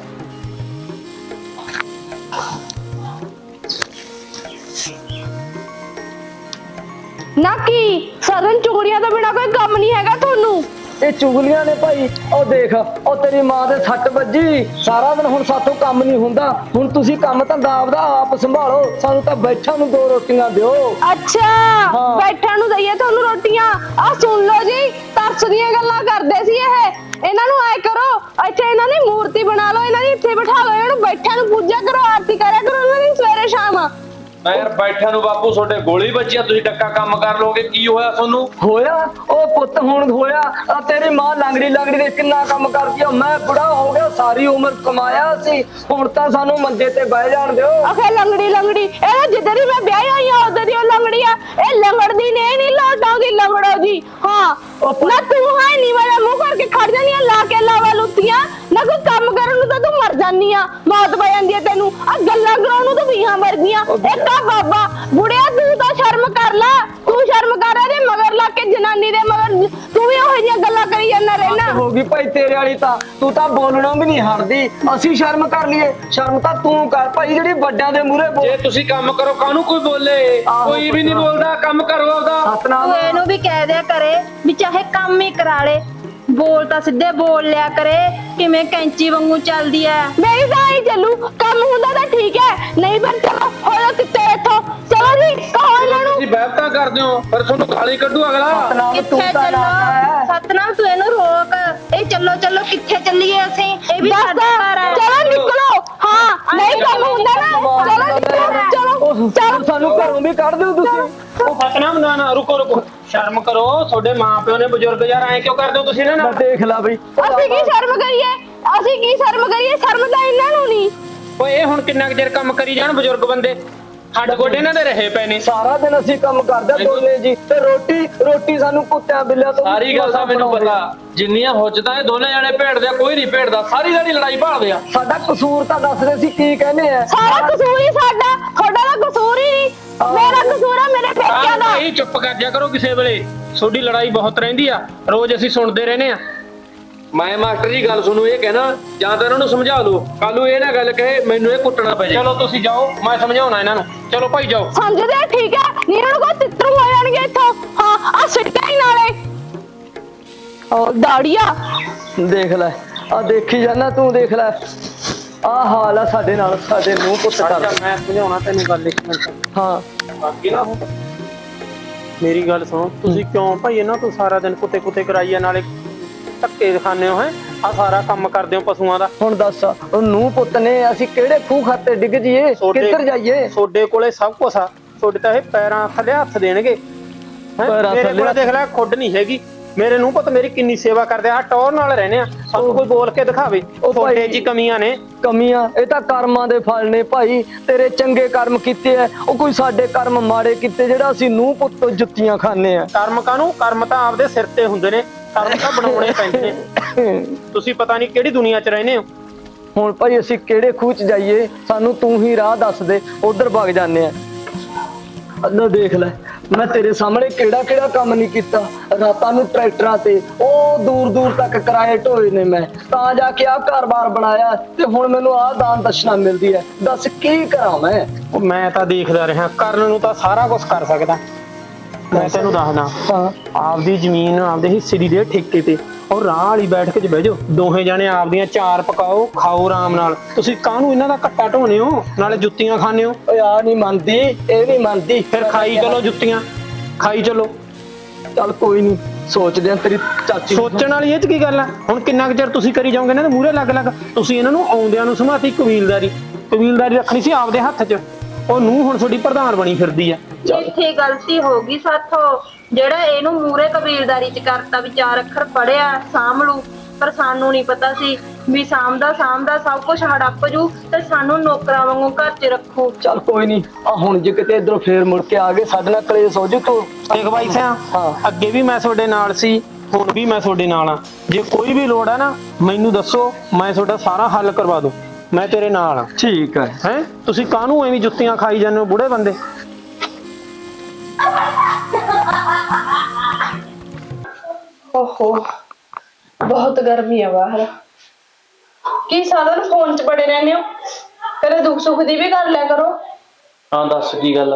ਨਾ ਕੀ ਸਰਨ ਚੁਗਲੀਆਂ ਤੋਂ ਬਿਨਾ ਕੋਈ ਕੰਮ ਨਹੀਂ ਹੈਗਾ ਤੁਹਾਨੂੰ? ਇਹ ਚੁਗਲੀਆਂ ਨੇ ਭਾਈ। ਉਹ ਦੇਖ, ਉਹ ਤੇਰੀ ਮਾਂ ਦੇ ਸੱਟ ਵੱਜੀ, ਸਾਰਾ ਦਿਨ ਹੁਣ ਸਾਥੋਂ ਕੰਮ ਨਹੀਂ ਹੁੰਦਾ। ਹੁਣ ਤੁਸੀਂ ਕੰਮ ਧੰਦਾ ਆਪਦਾ ਆਪ ਸੰਭਾਲੋ, ਸਾਨੂੰ ਤਾਂ ਬੈਠਣ ਨੂੰ ਦੋ ਰੋਟੀਆਂ ਦਿਓ। ਅੱਛਾ ਹਾਂ। ਬੈਠਣ ਨੂੰ ਦਈਏ ਤੁਹਾਨੂੰ ਰੋਟੀਆਂ? ਆ ਸੁਣ ਲਓ ਜੀ, ਤਰਸ ਦੀਆਂ ਗੱਲਾਂ ਕਰਦੇ ਸੀ ਇਹ। ਇਹਨਾਂ ਨੂੰ ਐ ਕਰੋ, ਇੱਥੇ ਇਹਨਾਂ ਦੀ ਮੂਰਤੀ ਬਣਾ ਲਓ, ਇਹਨਾਂ ਦੀ ਇੱਥੇ ਬਿਠਾ ਲਓ, ਇਹਨਾਂ ਨੂੰ ਬੈਠਿਆਂ ਨੂੰ ਪੂਜਾ ਕਰੋ, ਆਰਤੀ ਕਰਿਆ ਕਰੋ ਇਹਨਾਂ ਦੀ ਸਵੇਰੇ ਸ਼ਾਮ। ਮੈਂ ਯਾਰ ਬੈਠਿਆਂ ਨੂੰ ਬਾਪੂ ਤੁਹਾਡੇ ਗੋਲੀ ਵੱਜੀ ਆ, ਤੁਸੀਂ ਡੱਕਾ ਕੰਮ ਕਰ ਲੋਗੇ, ਕੀ ਹੋਇਆ ਤੁਹਾਨੂੰ? ਹੋਇਆ ਉਹ ਪੁੱਤ ਹੁਣ ਹੋਇਆ। ਆ ਤੇਰੀ ਮਾਂ ਲੰਗੜੀ ਲੰਗੜੀ ਦੇ ਕਿੰਨਾ ਕੰਮ ਕਰਦੀ ਆ। ਮੈਂ ਬੁੜਾ ਹੋ ਗਿਆ, ਸਾਰੀ ਉਮਰ ਕਮਾਇਆ ਸੀ, ਹੁਣ ਤਾਂ ਸਾਨੂੰ ਮੰਜੇ ਤੇ ਬਹਿ ਜਾਣ ਦਿਓ। ਆਖੇ ਲੰਗੜੀ ਲੰਗੜੀ, ਇਹ ਜਿੱਦਾਂ ਦੀ ਮੈਂ ਵਿਆਹੀ ਹੋਈ ਆ ਉਦੋਂ ਦੀ ਉਹ ਲੰਗੜੀ ਆ। ਇਹ ਲੰਗੜਦੀ ਨੇ ਨਹੀਂ ਲੋਟਾਉਂਦੀ ਲੰਗੜੋ ਜੀ। ਹਾਂ ਨਾ ਤੂੰ ਹੈ ਨਹੀਂ ਮੇਰਾ ਮੂੰਹ ਕਰਕੇ ਖੜ ਜਾਨੀ ਆ ਲਾ ਕੇ ਲਾਵਾ ਲੁੱਤੀਆਂ ਨਾ। ਕੋਈ ਕੰਮ ਕਰਨ ਨੂੰ ਤਾਂ ਤੂੰ ਮਰ ਜਾਨੀ ਆ, ਮੌਤ ਪੈ ਜਾਂਦੀ ਆ ਤੈਨੂੰ। ਆ ਗੱਲਾਂ ਕਰਾਉਣ ਨੂੰ ਤਾਂ ਵੀਹਾਂ ਮਰ ਗਈਆਂ। ਇੱਕ ਆ ਬਾਬਾ ਬੁੜਿਆ, ਤੂੰ ਤਾਂ ਸ਼ਰਮ ਕਰ ਲੈ, ਤੂੰ ਸ਼ਰਮ ਕਰ। ਇਹਦੇ ਮਗਰ ਲੱਗ ਕੇ ਜਨਾਨੀ ਦੇ ਮਗਰ ਤੂੰ ਵੀ ਉਹੋ ਜਿਹੀਆਂ ਗੱਲਾਂ ਕਰੀ ਜਾਂਦਾ ਰਹਿਣਾ। ਹੋ ਗਈ ਭਾਈ ਤੇਰੇ ਵਾਲੀ ਤਾਂ, ਤੂੰ ਤਾਂ ਬੋਲਣੋਂ ਵੀ ਨਹੀਂ ਹਟਦੀ। ਅਸੀਂ ਸ਼ਰਮ ਕਰ ਲਈਏ? ਸ਼ਰਮ ਤਾਂ ਤੂੰ ਕਰ ਭਾਈ, ਜਿਹੜੀ ਵੱਡਿਆਂ ਦੇ ਮੂਹਰੇ ਬੋਲ। ਜੇ ਤੁਸੀਂ ਕੰਮ ਕਰੋ ਕਾਹਨੂੰ ਕੋਈ ਬੋਲੇ? ਆਹੋ, ਕੋਈ ਵੀ ਨਹੀਂ ਬੋਲਦਾ, ਕੰਮ ਕਰੋ ਆਪਦਾ। ਸਤਨਾਮ ਤੂੰ ਇਹਨੂੰ ਵੀ ਕਹਿ ਦਿਆ ਕਰੇ ਵੀ ਚਾਹੇ ਕੰਮ ਹੀ ਕਰਾ ਲੇ, ਬੋਲ ਤਾਂ ਸਿੱਧੇ ਬੋਲ ਲਿਆ ਕਰੇ, ਕਿਵੇਂ ਕੈਂਚੀ ਵਾਂਗੂ ਚੱਲਦੀ ਐ। ਮੇਰੀ ਤਾਂ ਹੀ ਚੱਲੂ, ਕੰਮ ਹੁੰਦਾ ਤਾਂ ਠੀਕ ਹੈ, ਨਹੀਂ ਫਿਰ ਚਲੋ ਹੋਇਆ ਕਿੱਥੇ ਇੱਥੋਂ। ਚਲੋ ਜੀ ਕਹੋ ਇਹਨਾਂ ਨੂੰ। ਤੁਸੀਂ ਬਹਿਬਤਾਂ ਕਰਦੇ ਹੋ, ਪਰ ਤੁਹਾਨੂੰ ਗਾਲੀ ਕੱਢੂ ਅਗਲਾ। ਸਤਨਾਮ ਤੂੰ ਕਿੱਥੇ ਤਾਂ ਨਾ ਚੱਲੋ? ਸਤਨਾਮ ਤੂੰ ਇਹਨੂੰ ਰੋਕ। ਇਹ ਚੱਲੋ ਚੱਲੋ ਕਿੱਥੇ ਚੱਲੀਏ ਅਸੀਂ? ਇਹ ਵੀ ਸਾਡਾ ਘਰ ਹੈ। ਚਲੋ ਨਿਕਲੋ। ਹਾਂ ਨਹੀਂ ਕੰਮ ਹੁੰਦਾ ਨਾ, ਚਲੋ ਨਿਕਲੋ, ਚਲੋ ਚਲੋ। ਸਾਨੂੰ ਘਰੋਂ ਵੀ ਕੱਢ ਦਿਓ ਤੁਸੀਂ। ਉਹ ਸਤਨਾਮ ਨਾ ਨਾ ਰੁਕੋ ਰੁਕੋ, ਸ਼ਰਮ ਕਰੋ। ਤੁਹਾਡੇ ਮਾਪਿਓ ਨੇ ਬਜ਼ੁਰਗ ਯਾਰ, ਐਂ ਕਿਉਂ ਕਰਦੇ ਹੋ ਤੁਸੀਂ ਇਹਨਾਂ ਮੈਂ ਨਾਲ? ਦੇਖ ਲਾ ਬਈ। ਅਸੀਂ ਕੀ ਸ਼ਰਮ ਕਰੀਏ? ਅਸੀਂ ਕੀ ਸ਼ਰਮ ਕਰੀਏ? ਸ਼ਰਮ ਤਾਂ ਇਹਨਾਂ ਨੂੰ ਨਹੀਂ। ਓਏ ਇਹ ਹੁਣ ਕਿੰਨਾ ਕੁ ਚਿਰ ਕੰਮ ਕਰੀ ਜਾਣ ਬਜ਼ੁਰਗ ਬੰਦੇ? ਹੱਡ ਗੋਡੇ ਇਹਨਾਂ ਦੇ ਰਹੇ ਪਏ ਨੇ। ਸਾਰਾ ਦਿਨ ਅਸੀਂ ਕੰਮ ਕਰਦੇ ਦੋਨੇ ਜੀ, ਤੇ ਰੋਟੀ ਰੋਟੀ ਸਾਨੂੰ ਕੁੱਤਿਆਂ ਬਿੱਲਿਆਂ ਤੋਂ ਸਾਰੀ ਗੱਲ ਤਾਂ ਮੈਨੂੰ ਪਤਾ, ਜਿੰਨੀਆਂ ਹੁੱਜਤਾਂ ਇਹ ਦੋਨੇ ਜਣੇ ਭੇੜਦੇ ਆ, ਕੋਈ ਨਹੀਂ ਭੇੜਦਾ, ਸਾਰੀ ਸਾਰੀ ਲੜਾਈ ਭਾਲਦੇ ਆ। ਸਾਡਾ ਕਸੂਰ ਤਾਂ ਦੱਸਦੇ ਸੀ ਕੀ ਕਹਿੰਦੇ ਆ। ਸਾਰਾ ਕਸੂਰ ਹੀ ਸਾਡਾ, ਤੁਹਾਡਾ ਤਾਂ ਕਸੂਰ ਹੀ ਨਹੀਂ। ਮੇਰਾ ਕਸੂਰ ਆ ਮੇਰੇ ਪੇਕਿਆਂ ਦਾ। ਭਾਈ ਚੁੱਪ ਕਰ ਜਾ ਕਰੋ ਕਿਸੇ ਵੇਲੇ, ਤੁਹਾਡੀ ਲੜਾਈ ਬਹੁਤ ਰਹਿੰਦੀ ਆ, ਰੋਜ਼ ਅਸੀਂ ਸੁਣਦੇ ਰਹਿੰਦੇ ਆ। ਮੈਂ ਮਾਸਟਰ ਜੀ ਗੱਲ ਸੁਣੋ, ਇਹ ਕਹਿਣਾ ਜਾਂ ਤਾਂ ਇਹਨਾਂ ਨੂੰ ਸਮਝਾ ਲਓ, ਕੱਲ ਨੂੰ ਇਹ ਨਾ ਗੱਲ ਕਹੇ ਮੈਨੂੰ ਇਹ ਕੁੱਟਣਾ ਪੈ ਜਾਏ। ਚਲੋ ਤੁਸੀਂ ਜਾਓ, ਮੈਂ ਸਮਝਾਉਣਾ ਇਹਨਾਂ ਨੂੰ। ਚਲੋ ਭਾਈ ਜਾਓ। ਸਮਝਦੇ ਆ, ਠੀਕ ਹੈ, ਨਹੀਂ ਇਹਨਾਂ ਨੂੰ ਕੋਈ ਤਿੱਤਰੂ ਹੋ ਜਾਣਗੇ ਇੱਥੋਂ। ਹਾਂ ਆ ਸਿੱਟਾ ਹੀ ਨਾਲੇ ਉਹ ਦਾੜੀਆ। ਦੇਖ ਲੈ, ਆ ਦੇਖੀ ਜਾਨਾ ਤੂੰ, ਦੇਖ ਲੈ ਆ ਹਾਲ ਆ ਸਾਡੇ ਨਾਲ। ਸਾਡੇ ਨੂੰ ਪੁੱਤ ਕਰ। ਮੈਂ ਸਮਝਾਉਣਾ ਤੈਨੂੰ ਗੱਲ ਇੱਕ ਮਿੰਟ। ਹਾਂ ਬਾਕੀ ਨਾ ਮੇਰੀ ਗੱਲ ਸੁਣੋ, ਤੁਸੀਂ ਕਿਉਂ ਭਾਈ ਇਹਨਾਂ ਤੋਂ ਸਾਰਾ ਦਿਨ ਕੁੱਤੇ ਕੁੱਤੇ ਕਰਾਈਆ, ਨਾਲੇ ਧੱਕੇ ਦਿਖਾਉਂਦੇ ਹੋ? ਹੈ ਆ ਸਾਰਾ ਕੰਮ ਕਰਦੇ ਹੋ ਪਸ਼ੂਆਂ ਦਾ। ਹੁਣ ਦੱਸ, ਉਹ ਨੂੰ ਪੁੱਤ ਨੇ ਅਸੀਂ ਕਿਹੜੇ ਖੂਹ ਖਾਤੇ ਡਿੱਗ ਜੀਏ, ਕਿੱਧਰ ਜਾਈਏ? ਤੁਹਾਡੇ ਕੋਲੇ ਸਭ ਕੁਛ ਆ, ਤੁਹਾਡੇ ਤਾਂ ਇਹ ਪੈਰਾਂ ਥੱਲੇ ਹੱਥ ਦੇਣਗੇ। ਹੈਂ? ਪੈਰਾਂ ਮੇਰੇ ਥੱਲੇ ਕੋਲ ਦੇਖ ਲੈ ਖੁੱਡ ਨਹੀਂ ਹੈਗੀ। ਮੇਰੇ ਨੂੰ ਪੁੱਤ ਮੇਰੀ ਕਿੰਨੀ ਸੇਵਾ ਕਰਦੇ ਆ, ਟੌਰ ਨਾਲ ਰਹਿੰਦੇ ਆ। ਸਾਨੂੰ ਕੋਈ ਬੋਲ ਕੇ ਦਿਖਾਵੇ ਉਹ ਭਾਈ- ਤੁਹਾਡੇ 'ਚ ਹੀ ਕਮੀਆਂ ਨੇ। ਕਮੀਆਂ ਇਹ ਤਾਂ ਕਰਮਾਂ ਦੇ ਫਲ ਨੇ ਭਾਈ। ਤੇਰੇ ਚੰਗੇ ਕਰਮ ਕੀਤੇ ਐ, ਉਹ ਕੋਈ ਸਾਡੇ ਕਰਮ ਮਾੜੇ ਕੀਤੇ ਜਿਹੜਾ ਅਸੀਂ ਨੂੰ ਪੁੱਤ ਤੋਂ ਜੁੱਤੀਆਂ ਖਾਂਦੇ ਆ। ਕਰਮ ਕਾਹਨੂੰ? ਕਰਮ ਤਾਂ ਆਪਦੇ ਸਿਰ ਤੇ ਹੁੰਦੇ ਨੇ, ਕਰਮ ਤਾਂ ਬਣਾਉਣੇ ਪੈਂਦੇ ਨੇ। ਤੁਸੀਂ ਪਤਾ ਨਹੀਂ ਕਿਹੜੀ ਦੁਨੀਆ 'ਚ ਰਹਿੰਦੇ ਹੋ। ਹੁਣ ਭਾਈ ਅਸੀਂ ਕਿਹੜੇ ਖੂਹ ਚ ਜਾਈਏ? ਸਾਨੂੰ ਤੂੰ ਹੀ ਰਾਹ ਦੱਸ ਦੇ, ਉਧਰ ਵਗ ਜਾਂਦੇ ਆ। ਅੱਲਾ ਦੇਖ ਲੈ, ਮੈਂ ਤੇਰੇ ਸਾਹਮਣੇ ਕਿਹੜਾ ਕਿਹੜਾ ਕੰਮ ਨਹੀਂ ਕੀਤਾ। ਰਾਤਾਂ ਨੂੰ ਟਰੈਕਟਰਾਂ ਤੇ ਉਹ ਦੂਰ ਦੂਰ ਤੱਕ ਕਿਰਾਏ ਢੋਏ ਨੇ ਮੈਂ, ਤਾਂ ਜਾ ਕੇ ਆਹ ਘਰ-ਬਾਰ ਬਣਾਇਆ, ਤੇ ਹੁਣ ਮੈਨੂੰ ਆਹ ਦਾਨ ਦਸ਼ਨਾ ਮਿਲਦੀ ਹੈ। ਦੱਸ ਕੀ ਕਰਾਂ ਮੈਂ? ਉਹ ਮੈਂ ਤਾਂ ਦੇਖਦਾ ਰਿਹਾ, ਕਰਨ ਨੂੰ ਤਾਂ ਸਾਰਾ ਕੁਝ ਕਰ ਸਕਦਾ, ਮੈਂ ਤੈਨੂੰ ਦੱਸਦਾ ਹਾਂ ਆਪਦੀ ਜ਼ਮੀਨ ਆਪਦੇ ਹਿੱਸੇ ਦੀ ਦੇ ਠੇਕੇ ਤੇ ਔਰ ਰਾਹ ਵਾਲੀ ਬੈਠ ਕੇ ਬਹਿ ਜਾਓ ਦੋਹੇ ਜਾਣੇ ਆਪਦੀਆਂ ਚਾਰ ਪਕਾਓ ਖਾਓ ਆਰਾਮ ਨਾਲ ਤੁਸੀਂ ਕਾਹਨੂੰ ਇਹਨਾਂ ਦਾ ਕੱਟਾ ਢੋਨੇ ਹੋ ਨਾਲੇ ਜੁੱਤੀਆਂ ਖਾਣੇ ਹੋ ਓਏ ਆ ਨਹੀਂ ਮੰਨਦੀ ਇਹ ਨਹੀਂ ਮੰਨਦੀ ਫਿਰ ਖਾਈ ਚਲੋ ਜੁੱਤੀਆਂ ਖਾਈ ਚਲੋ ਚੱਲ ਕੋਈ ਨਹੀਂ ਸੋਚਦੇ ਆ ਤੇਰੀ ਚਾਚੀ ਨੂੰ। ਸੋਚਣ ਵਾਲੀ ਇਹ ਚ ਕੀ ਗੱਲ ਆ ਹੁਣ ਕਿੰਨਾ ਕੁ ਚਿਰ ਤੁਸੀਂ ਕਰੀ ਜਾਓਗੇ ਇਹਨਾਂ ਦੇ ਮੂਹਰੇ ਲੱਗ ਲੱਗ ਤੁਸੀਂ ਇਹਨਾਂ ਨੂੰ ਆਉਂਦਿਆਂ ਨੂੰ ਸਮਾਤੀ ਕਬੀਲਦਾਰੀ ਕਬੀਲਦਾਰੀ ਰੱਖਣੀ ਸੀ ਆਪਦੇ ਹੱਥ 'ਚ ਉਹ ਨੂੰ ਹੁਣ ਤੁਹਾਡੀ ਪ੍ਰਧਾਨ ਬਣੀ ਫਿਰਦੀ ਆ ਇੱਥੇ ਗਲਤੀ ਹੋ ਗਈ ਸਾਥੋਂ ਜਿਹੜਾ ਇਹਨੂੰ ਮੂਰੇ ਕਬੀਲਦਾਰੀ ਚ ਕਰਤਾ ਵੀ ਚਾਰ ਅੱਖਰ ਪੜਿਆ ਸਾਂਭ ਲੂ ਪਰ ਸਾਨੂੰ ਨਹੀਂ ਪਤਾ ਸੀ ਵੀ ਸਾਂਭਦਾ ਸਾਂਭਦਾ ਸਭ ਕੁਝ ਹੜੱਪ ਜੂ ਤੇ ਸਾਨੂੰ ਨੌਕਰਾਂ ਵਾਂਗੂ ਘਰ 'ਚ ਰੱਖੂ। ਚੱਲ ਕੋਈ ਨਹੀਂ ਆ ਹੁਣ ਜੇ ਕਿਤੇ ਇਧਰੋਂ ਫੇਰ ਮੁੜ ਕੇ ਆ ਗਏ ਸਾਡੇ ਨਾਲ ਕਲੇਸ਼ ਹੋ ਜੂ ਤੂੰ ਦੇਖ ਬਾਈ ਸਿਆ ਹਾਂ। ਅੱਗੇ ਵੀ ਮੈਂ ਤੁਹਾਡੇ ਨਾਲ ਸੀ ਹੁਣ ਵੀ ਮੈਂ ਤੁਹਾਡੇ ਨਾਲ ਆ ਜੇ ਕੋਈ ਵੀ ਲੋੜ ਆ ਨਾ ਮੈਨੂੰ ਦੱਸੋ ਮੈਂ ਤੁਹਾਡਾ ਸਾਰਾ ਹੱਲ ਕਰਵਾ ਦੂੰ ਮੈਂ ਤੇਰੇ ਨਾਲ ਆ ਠੀਕ ਹੈ ਹੈ ਤੁਸੀਂ ਕਾਹਨੂੰ ਐਵੇਂ ਜੁੱਤੀਆਂ ਖਾਈ ਜਾਂਦੇ ਹੋ ਬੁੜੇ ਬੰਦੇ ਓਹੋ ਬਹੁਤ ਗਰਮੀ ਆ ਬਾਹਰ ਕੀ ਸਾਰਾ ਦਿਨ ਫੋਨ 'ਚ ਬੜੇ ਰਹਿੰਦੇ ਹੋ ਕਦੇ ਦੁੱਖ ਸੁੱਖ ਦੀ ਵੀ ਕਰ ਲਿਆ ਕਰੋ ਹਾਂ ਦੱਸ ਕੀ ਗੱਲ ਆ?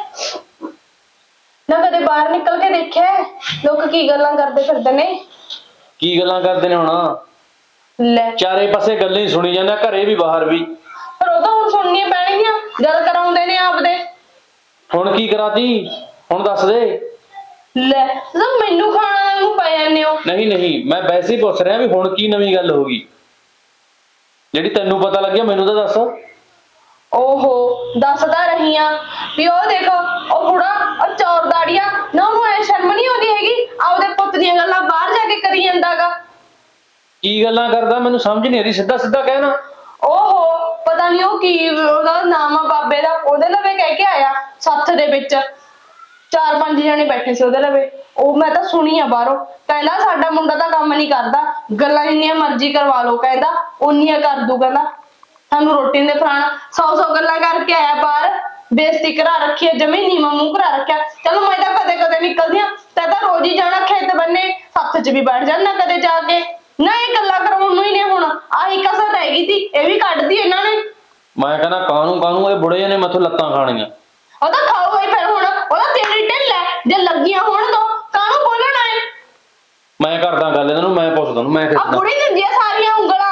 ਨਾ ਕਦੇ ਬਾਹਰ ਨਿਕਲ ਕੇ ਦੇਖਿਆ ਹੈ? ਲੋਕ ਕੀ ਗੱਲਾਂ ਕਰਦੇ ਫਿਰਦੇ ਨੇ ਕੀ ਗੱਲਾਂ ਕਰਦੇ ਨੇ ਹੁਣ ਲੈ ਚਾਰੇ ਪਾਸੇ ਗੱਲਾਂ ਹੀ ਸੁਣੀ ਜਾਂਦੇ ਆ, ਘਰੇ ਵੀ ਬਾਹਰ ਵੀ। ਪਰ ਉਹ ਤਾਂ ਹੁਣ ਸੁਣਨੀਆਂ ਪੈਣਗੀਆਂ ਗੱਲ ਕਰਾਉਂਦੇ ਨੇ ਆਪਦੇ ਹੁਣ ਕੀ ਕਰਾਤੀ ਹੁਣ ਦੱਸ ਦੇ। ਲੈ ਤਾਂ ਮੈਨੂੰ ਖਾਣਾ ਨੂੰ ਪੈ ਜਾਂਦੇ ਹੋ ਨਹੀਂ ਨਹੀਂ ਮੈਂ ਵੈਸੇ ਹੀ ਪੁੱਛ ਰਿਹਾ ਵੀ ਹੁਣ ਕੀ ਨਵੀਂ ਗੱਲ ਹੋ ਗਈ ਜਿਹੜੀ ਤੈਨੂੰ ਪਤਾ ਲੱਗਿਆ ਮੈਨੂੰ ਤਾਂ ਦੱਸ। ਓਹੋ ਦੱਸਦਾ ਰਹੀ ਆ ਵੀ ਉਹ ਦੇਖੋ ਉਹ ਬੁੜਾ ਉਹ ਚੌਰ ਦਾੜੀਆਂ ਨਾ ਉਹਨੂੰ ਐ ਸ਼ਰਮ ਨਹੀਂ ਆਉਂਦੀ ਹੈਗੀ ਆਪਦੇ ਪੁੱਤ ਦੀਆਂ ਗੱਲਾਂ ਬਾਹਰ ਜਾ ਕੇ ਕਰੀ ਜਾਂਦਾਗਾ ਕੀ ਗੱਲਾਂ ਕਰਦਾ ਮੈਨੂੰ ਸਮਝ ਨਹੀਂ ਆ ਰਹੀ ਸਿੱਧਾ ਸਿੱਧਾ ਕਹਿਣਾ। ਓਹੋ ਪਤਾ ਨਹੀਂ ਉਹ ਕੀ ਉਹਦਾ ਨਾਮ ਆ ਬਾਬੇ ਦਾ ਉਹਦੇ ਲਵੇ ਕਹਿ ਕੇ ਆਇਆ ਸੱਥ ਦੇ ਵਿੱਚ ਚਾਰ ਪੰਜ ਜਣੇ ਬੈਠੇ ਸੀ ਉਹਦੇ ਲਵੇ ਉਹ ਮੈਂ ਤਾਂ ਸੁਣੀ ਆ ਬਾਹਰੋਂ ਕਹਿੰਦਾ ਸਾਡਾ ਮੁੰਡਾ ਤਾਂ ਕੰਮ ਨਹੀਂ ਕਰਦਾ ਗੱਲਾਂ ਜਿੰਨੀਆਂ ਮਰਜ਼ੀ ਕਰਵਾ ਲਓ ਕਹਿੰਦਾ ਉਨੀਆਂ ਕਰ ਦੂ ਕਹਿੰਦਾ ਸਾਨੂੰ ਰੋਟੀ ਦੇ ਫਰਾਣਾ ਸੌ ਸੌ ਗੱਲਾਂ ਕਰਕੇ ਆਇਆ ਬਾਹਰ ਬੇਇੱਜ਼ਤੀ ਕਰਾ ਰੱਖੀ ਹੈ ਜਮੀ ਨੀਵਾਂ ਮੂੰਹ ਕਰਾ ਰੱਖਿਆ। ਚਲੋ ਮੈਂ ਤਾਂ ਕਦੇ ਕਦੇ ਨਿਕਲਦੀ ਆ ਤੈ ਤਾਂ ਰੋਜ਼ ਹੀ ਜਾਣਾ ਖੇਤ ਬੰਨੇ ਸੱਥ 'ਚ ਵੀ ਬੈਠ ਜਾਣਾ ਕਦੇ ਜਾ ਕੇ ਨਾ ਇਹ ਗੱਲਾਂ ਕਰਾਉਣ ਨੂੰ ਹੀ ਨੇ ਹੁਣ ਆਹੀ ਕਸਰ ਰਹਿ ਗਈ ਸੀ ਇਹ ਵੀ ਕੱਢਦੀ ਇਹਨਾਂ ਨੇ। ਮੈਂ ਕਹਿੰਦਾ ਕਾਹਨੂੰ ਕਾਹਨੂੰ ਇਹ ਬੁੜੇ ਜਿਹੇ ਮੈਥੋਂ ਲੱਤਾਂ ਖਾਣੀਆਂ। ਉਹ ਤਾਂ ਖਾਓ ਹੀ ਫਿਰ ਹੁਣ ਉਹਦਾ ਤੇਰੀ ਢਿੱਲ ਹੈ ਜੇ ਲੱਗੀਆਂ ਹੋਣ ਦੋ ਕਾਹਨੂੰ ਬੋਲਣਾ ਹੈ। ਮੈਂ ਕਰਦਾ ਗੱਲ ਇਹਨਾਂ ਨੂੰ ਮੈਂ ਪੁੱਛਦਾ ਨੂੰ ਮੈਂ ਆ ਕਿੱਦਾਂ ਬੁੜੀ ਦਿੰਦੀ ਆ ਸਾਰੀਆਂ ਉਂਗਲਾਂ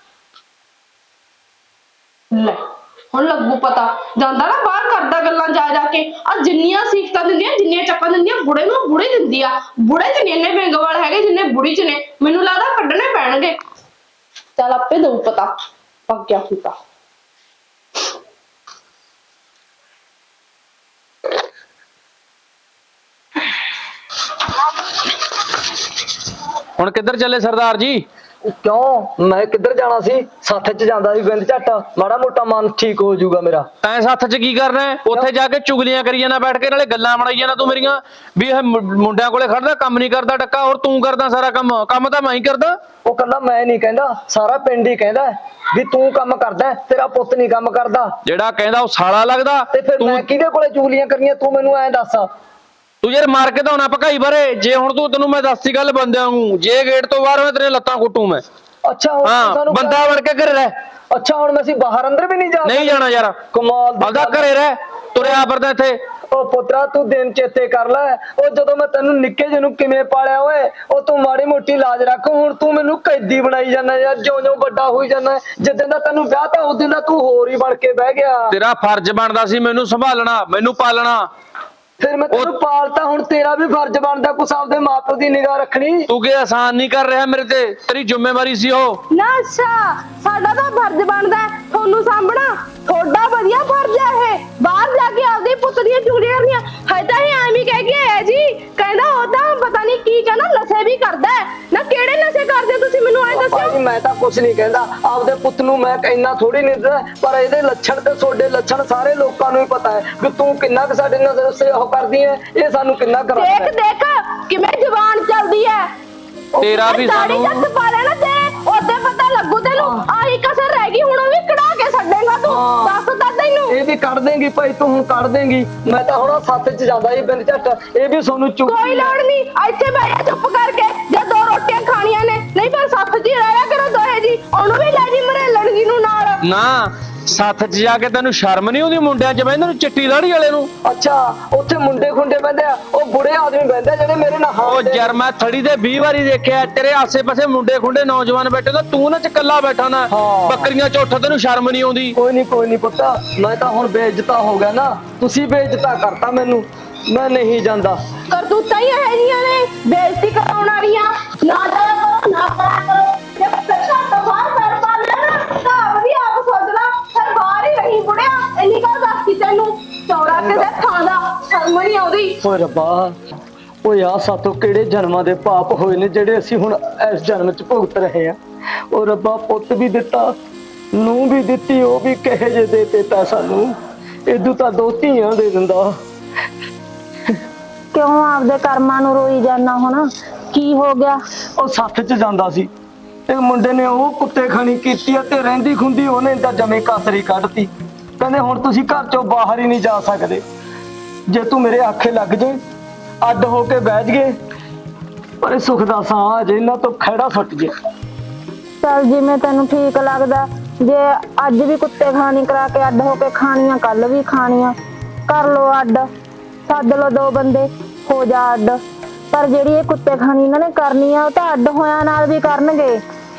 ਲੈ ਹੁਣ ਲੱਗੂ ਪਤਾ ਜਾਂਦਾ ਨਾ ਬਾਹਰ ਕਰਦਾ ਗੱਲਾਂ ਜਾ ਜਾ ਕੇ ਆ ਜਿੰਨੀਆਂ ਸਿੱਖਤਾਂ ਦਿੰਦੀਆਂ ਜਿੰਨੀਆਂ ਚੱਪਾਂ ਦਿੰਦੀਆਂ ਬੁੜੇ ਨੂੰ ਬੁੜੇ ਦਿੰਦੀ ਆ ਬੁੜੇ ਚ ਨੀ ਇੰਨੇ ਬੇਂਗਵਾਲ ਹੈਗੇ ਜਿੰਨੇ ਬੁੜੀ ਚ ਨੇ ਮੈਨੂੰ ਲੱਗਦਾ ਕੱਢਣੇ ਪੈਣਗੇ ਚੱਲ ਆਪੇ ਦਊ ਪਤਾ ਪੱਕ ਗਿਆ ਹੁੰਦਾ। ਹੁਣ ਕਿੱਧਰ ਚੱਲੇ ਸਰਦਾਰ ਜੀ? ਕਿਉਂ ਮੈਂ ਕਿੱਧਰ ਜਾਣਾ ਸੀ ਸੱਥ 'ਚ ਜਾਂਦਾ ਸੀ ਬਿੰਦ ਝੱਟ ਮਾੜਾ ਮੋਟਾ ਮਨ ਠੀਕ ਹੋ ਜਾਊਗਾ ਮੇਰਾ। ਤੈਂ ਸੱਥ 'ਚ ਕੀ ਕਰਨਾ ਹੈ? ਉੱਥੇ ਜਾ ਕੇ ਚੁਗਲੀਆਂ ਕਰੀ ਜਾਣਾ ਬੈਠ ਕੇ ਨਾਲੇ ਗੱਲਾਂ ਬਣਾਈ ਜਾਣਾ ਤੂੰ ਮੇਰੀਆਂ ਵੀ ਇਹ ਮੁ- ਮੁੰਡਿਆਂ ਕੋਲੇ ਖੜਦਾ ਕੰਮ ਨਹੀਂ ਕਰਦਾ ਟੱਕਾ ਹੋਰ ਤੂੰ ਕਰਦਾ ਸਾਰਾ ਕੰਮ ਕੰਮ ਤਾਂ ਮੈਂ ਹੀ ਕਰਦਾ। ਉਹ ਕੱਲਾ ਮੈਂ ਨਹੀਂ ਕਹਿੰਦਾ ਸਾਰਾ ਪਿੰਡ ਹੀ ਕਹਿੰਦਾ ਵੀ ਤੂੰ ਕੰਮ ਕਰਦਾ ਹੈ, ਤੇਰਾ ਪੁੱਤ ਨਹੀਂ ਕੰਮ ਕਰਦਾ। ਜਿਹੜਾ ਕਹਿੰਦਾ ਉਹ ਸਾਲਾ ਲੱਗਦਾ। ਤੇ ਫਿਰ ਮੈਂ ਕਿਹਦੇ ਕੋਲੇ ਚੁਗਲੀਆਂ ਕਰਨੀਆਂ ਤੂੰ ਮੈਨੂੰ ਐਂ ਦੱਸ। ਤੂੰ ਯਾਰ ਮਾਰ ਕੇ ਤਾਂ ਹੋਣਾ ਭਕਾਈ ਬਾਰੇ ਜੇ ਹੁਣ ਤੂੰ ਤੈਨੂੰ ਮੈਂ ਦੱਸਦੀ ਗੱਲ ਬੰਦਿਆਂ ਨੂੰ ਜੇ ਗੇਟ ਤੋਂ ਬਾਹਰ ਮੈਂ ਤੇਰੇ ਲੱਤਾਂ ਕੁੱਟੂ ਮੈਂ। ਅੱਛਾ ਹੁਣ ਤੂੰ ਹਾਂ ਸਾਨੂੰ ਬੰਦਾ ਬਣ ਕੇ ਘਰੇ ਰਹਿ। ਅੱਛਾ ਹੁਣ ਅਸੀਂ ਬਾਹਰ ਅੰਦਰ ਵੀ ਨਹੀਂ ਜਾ ਨਹੀਂ ਜਾਣਾ ਯਾਰ ਕਮਾਲ ਦੀ ਆਪਦਾ ਗੱਲ। ਘਰੇ ਰਹਿ ਤੁਰਿਆ ਫਿਰਦਾ ਇੱਥੇ। ਉਹ ਪੁੱਤਰਾ ਤੂੰ ਦਿਨ ਚੇਤੇ ਕਰ ਲੈ ਉਹ ਜਦੋਂ ਮੈਂ ਤੈਨੂੰ ਨਿੱਕੇ ਜਿਹੇ ਨੂੰ ਕਿਵੇਂ ਪਾਲਿਆ ਓਏ ਉਹ ਤੂੰ ਮਾੜੀ ਮੋਟੀ ਲਾਜ ਰੱਖ ਹੁਣ ਤੂੰ ਮੈਨੂੰ ਕੈਦੀ ਬਣਾਈ ਜਾਂਦਾ ਯਾਰ ਜਿਉਂ ਜਿਉਂ ਵੱਡਾ ਹੋਈ ਜਾਂਦਾ ਜਿੱਦਾਂ ਦਾ ਤੈਨੂੰ ਵਿਆਹ ਤਾਂ ਉਸ ਦਿਨ ਦਾ ਤੂੰ ਹੋਰ ਹੀ ਬਣ ਕੇ ਬਹਿ ਗਿਆ। ਤੇਰਾ ਫਰਜ਼ ਬਣਦਾ ਸੀ ਮੈਨੂੰ ਸੰਭਾਲਣਾ ਮੈਨੂੰ ਪਾਲਣਾ। ਫਿਰ ਮੈਂ ਤੈਨੂੰ ਪਾਲਤਾ ਹੁਣ ਤੇਰਾ ਵੀ ਫਰਜ਼ ਬਣਦਾ ਕੁਛ ਆਪਦੇ ਮਾਪਿਓ ਦੀ ਨਿਗਾਹ ਰੱਖਣੀ। ਤੂੰ ਕੀ ਆਸਾਨ ਨਹੀਂ ਕਰ ਰਿਹਾ ਮੇਰੇ ਤੇ ਤੇਰੀ ਜ਼ਿੰਮੇਵਾਰੀ ਸੀ ਉਹ। ਨਾ ਅੱਛਾ ਸਾਡਾ ਤਾਂ ਫਰਜ਼ ਬਣਦਾ ਹੈ ਤੁਹਾਨੂੰ ਸਾਂਭਣਾ ਤੁਹਾਡਾ ਵਧੀਆ ਫਰਜ਼ ਹੈ ਇਹ ਬਾਹਰ ਜਾ ਕੇ ਆਪਦੇ ਪੁੱਤ ਦੀਆਂ ਚੁਗਲੀਆਂ ਕਰਨੀਆਂ ਹੈ ਤਾਂ ਇਹ ਐਵੇਂ ਕਹਿ ਕੇ ਆਇਆ ਜੀ ਕਹਿੰਦਾ ਉਹ ਤਾਂ ਪਤਾ ਨਹੀਂ ਕੀ ਕਹਿੰਦਾ ਨਸ਼ੇ ਵੀ ਕਰਦਾ ਹੈ ਨਾ ਕਿਹੜੇ ਨਸ਼ੇ ਕਰਦੇ ਹੋ ਤੁਸੀਂ ਮੈਨੂੰ ਐਂ ਦੱਸੋ। ਭਾਈ ਮੈਂ ਤਾਂ ਕੁਛ ਨਹੀਂ ਕਹਿੰਦਾ ਆਪਦੇ ਪੁੱਤ ਨੂੰ ਮੈਂ ਇੰਨਾ ਥੋੜੀ ਨਹੀਂ ਦੱਸਦਾ ਪਰ ਇਹਦੇ ਲੱਛਣ ਤੇ ਤੁਹਾਡੇ ਲੱਛਣ ਸਾਰੇ ਲੋਕਾਂ ਨੂੰ ਹੀ ਪਤਾ ਹੈ ਕਿ ਤੂੰ ਕਿੰਨਾ ਕੁ ਸਾਡੇ ਨਜ਼ਰ ਸੇ ਉਹ ਕਰਦੀ ਹੈ ਇਹ ਸਾਨੂੰ ਕਿੰਨਾ ਕਰਾ ਦੇਖ ਦੇਖ ਕਿਵੇਂ ਜ਼ੁਬਾਨ ਚੱਲਦੀ ਹੈ ਤੇਰਾ ਵੀ ਦਾੜੀ ਸਾਨੂੰ ਜੱਟ ਪਾ ਲੈਣਾ ਤੇ ਉਹਦੇ ਪਤਾ ਲੱਗੂ ਤੈਨੂੰ ਆਹੀ ਕਸਰ ਰਹਿ ਗਈ ਹੁਣ ਉਹ ਵੀ ਕਢਾ ਕੇ ਛੱਡੇਗਾ ਤੂੰ ਹਾਂ। ਦੱਸ ਤਾਂ ਤੈਨੂੰ ਇਹ ਵੀ ਕੱਢ ਦੇਂਗੀ ਭਾਈ ਤੂੰ ਹੁਣ ਕੱਢ ਦੇਂਗੀ ਮੈਂ ਤਾਂ ਹੁਣ ਸੱਥ 'ਚ ਜਾਂਦਾ ਸੀ ਬਿੰਦ ਝੱਟ ਇਹ ਵੀ ਤੁਹਾਨੂੰ ਚੁੱਪ ਕੋਈ ਲੋੜ ਨਹੀਂ ਇੱਥੇ ਬਹਿ ਜਾ ਚੁੱਪ ਕਰਕੇ ਜੇ ਦੋ ਰੋਟੀਆਂ ਖਾਣੀਆਂ ਨੇ ਨਹੀਂ ਪਰ ਸੱਤ ਜੀ ਰਹਿਆ ਕਰੋ ਦੋਹੇ ਜੀ ਉਹਨੂੰ ਵੀ ਲੈ ਜੀ ਮਰੇਲਣ ਜੀ ਨੂੰ ਨਾਲ ਨਾ ਸੱਥ 'ਚ ਜਾ ਕੇ ਤੈਨੂੰ ਸ਼ਰਮ ਨਹੀਂ ਆਉਂਦੀ ਮੁੰਡਿਆਂ 'ਚ ਬਹਿੰਦੇ ਨੂੰ, ਚਿੱਟੀ ਲਾੜੀ ਵਾਲੇ ਨੂੰ? ਅੱਛਾ ਉੱਥੇ ਮੁੰਡੇ ਖੁੰਡੇ ਬਹਿੰਦੇ ਆ, ਉਹ ਬੁੜੇ ਆਦਮੀ ਬਹਿੰਦੇ ਆ ਜਿਹੜੇ ਮੇਰੇ ਨਾਲ ਉਹ ਹਾਂ ਦੇ- ਯਾਰ ਮੈਂ ਥੜੀ ਤੇ ਵੀਹ ਵਾਰੀ ਦੇਖਿਆ, ਤੇਰੇ ਆਸੇ-ਪਾਸੇ ਮੁੰਡੇ ਖੁੰਡੇ ਨੌਜਵਾਨ ਬੈਠੇ ਤਾਂ ਤੂੰ ਨਾ ਚ ਇਕੱਲਾ ਬੈਠਾ ਨਾ। ਹਾਂ। ਬੱਕਰੀਆਂ ਚ ਉੱਠ ਤੈਨੂੰ ਸ਼ਰਮ ਨਹੀਂ ਆਉਂਦੀ? ਕੋਈ ਨਹੀਂ ਕੋਈ ਨਹੀਂ ਪੁੱਤ, ਮੈਂ ਤਾਂ ਹੁਣ ਬੇਇੱਜ਼ਤਾ ਹੋ ਗਿਆ ਨਾ, ਤੁਸੀਂ ਬੇਇੱਜ਼ਤਾ ਕਰਤਾ ਮੈਨੂੰ, ਮੈਂ ਨਹੀਂ ਜਾਂਦਾ। ਕਰਤੂਤਾਂ ਹੀ ਇਹ ਜੀਆਂ ਨੇ ਬੇਇੱਜ਼ਤੀ ਕਰਾਉਣ ਵਾਲੀਆਂ। ਨਾ ਜਾਇਆ ਕਰੋ ਨਾ ਕਰਾ ਕਰੋ, ਜੇ ਪੈਸਾ ਤਾਂ ਬਾਹਰ ਕਰ ਪਾ ਲੈਣਾ ਤਾਂ ਵੀ ਆਪ ਸੋਚ ਲਾ, ਫਿਰ ਬਾਹਰ ਹੀ ਰਹੀ ਬੁੜਿਆ। ਇੰਨੀ ਗੱਲ ਦੱਸਦੀ ਤੈਨੂੰ, ਚੌੜਾ ਕਿਸੇ ਥਾਂ ਦਾ ਸ਼ਰਮ ਨਹੀਂ ਆਉਂਦੀ। ਓਏ ਰੱਬਾ, ਓਏ ਆ ਸਾਤੋਂ ਕਿਹੜੇ ਜਨਮਾਂ ਦੇ ਪਾਪ ਹੋਏ ਨੇ ਜਿਹੜੇ ਅਸੀਂ ਹੁਣ ਇਸ ਜਨਮ ਚ ਭੁਗਤ ਰਹੇ ਆ। ਓ ਰੱਬਾ, ਪੁੱਤ ਵੀ ਦਿੱਤਾ, ਨੂੰ ਵੀ ਦਿੱਤੀ, ਉਹ ਵੀ ਕਹੇ ਜੇ ਦੇ ਦਿੱਤਾ ਸਾਨੂੰ, ਇਦੋਂ ਤਾਂ ਦੋ ਧੀਆਂ ਦੇ ਦਿੰਦਾ। ਕਿਉਂ ਆਪਦੇ ਕਰਮਾਂ ਨੂੰ ਰੋਈ ਜਾਣਾ? ਹੁਣ ਕੀ ਹੋ ਗਿਆ? ਉਹ ਸੱਥ ਚ ਜਾਂਦਾ ਸੀ, ਇਹ ਮੁੰਡੇ ਨੇ ਉਹ ਕੁੱਤੇ ਖਾਣੀ ਕੀਤੀ ਆ, ਤੇ ਰਹਿੰਦੀ ਖੁੰਦੀ ਉਹਨੇ ਤਾਂ ਜਮੇ ਕਾਸਰੀ ਕੱਢਤੀ। ਕਹਿੰਦੇ ਹੁਣ ਤੁਸੀਂ ਘਰ ਚੋਂ ਬਾਹਰ ਹੀ ਨਹੀਂ ਜਾ ਸਕਦੇ, ਜੇ ਤੂੰ ਮੇਰੇ ਆਖੇ ਲੱਗ ਜੇ ਅੱਡ ਹੋ ਕੇ ਬੈਠ ਗਏ, ਪਰ ਇਹ ਸੁੱਖ ਦਾ ਸਾਹ ਜੇ ਇਹਨਾਂ ਤੋਂ ਖਹਿੜਾ ਸੁੱਟ ਜੇ। ਚੱਲ ਜਿਵੇਂ ਤੈਨੂੰ ਠੀਕ ਲੱਗਦਾ, ਜੇ ਅੱਜ ਵੀ ਕੁੱਤੇ ਖਾਣੀ ਕਰਾ ਕੇ ਅੱਡ ਹੋ ਕੇ ਖਾਣੀਆਂ, ਕੱਲ ਵੀ ਖਾਣੀਆਂ, ਕਰ ਲੋ ਅੱਡ, ਸੱਦ ਲੋ ਦੋ ਬੰਦੇ, ਹੋ ਜਾ ਅੱਡ। ਪਰ ਜਿਹੜੀ ਇਹ ਕੁੱਤੇ ਖਾਣੀ ਇਹਨਾਂ ਨੇ ਕਰਨੀ ਆ, ਉਹ ਤਾਂ ਅੱਡ ਹੋਇਆਂ ਨਾਲ ਵੀ ਕਰਨਗੇ।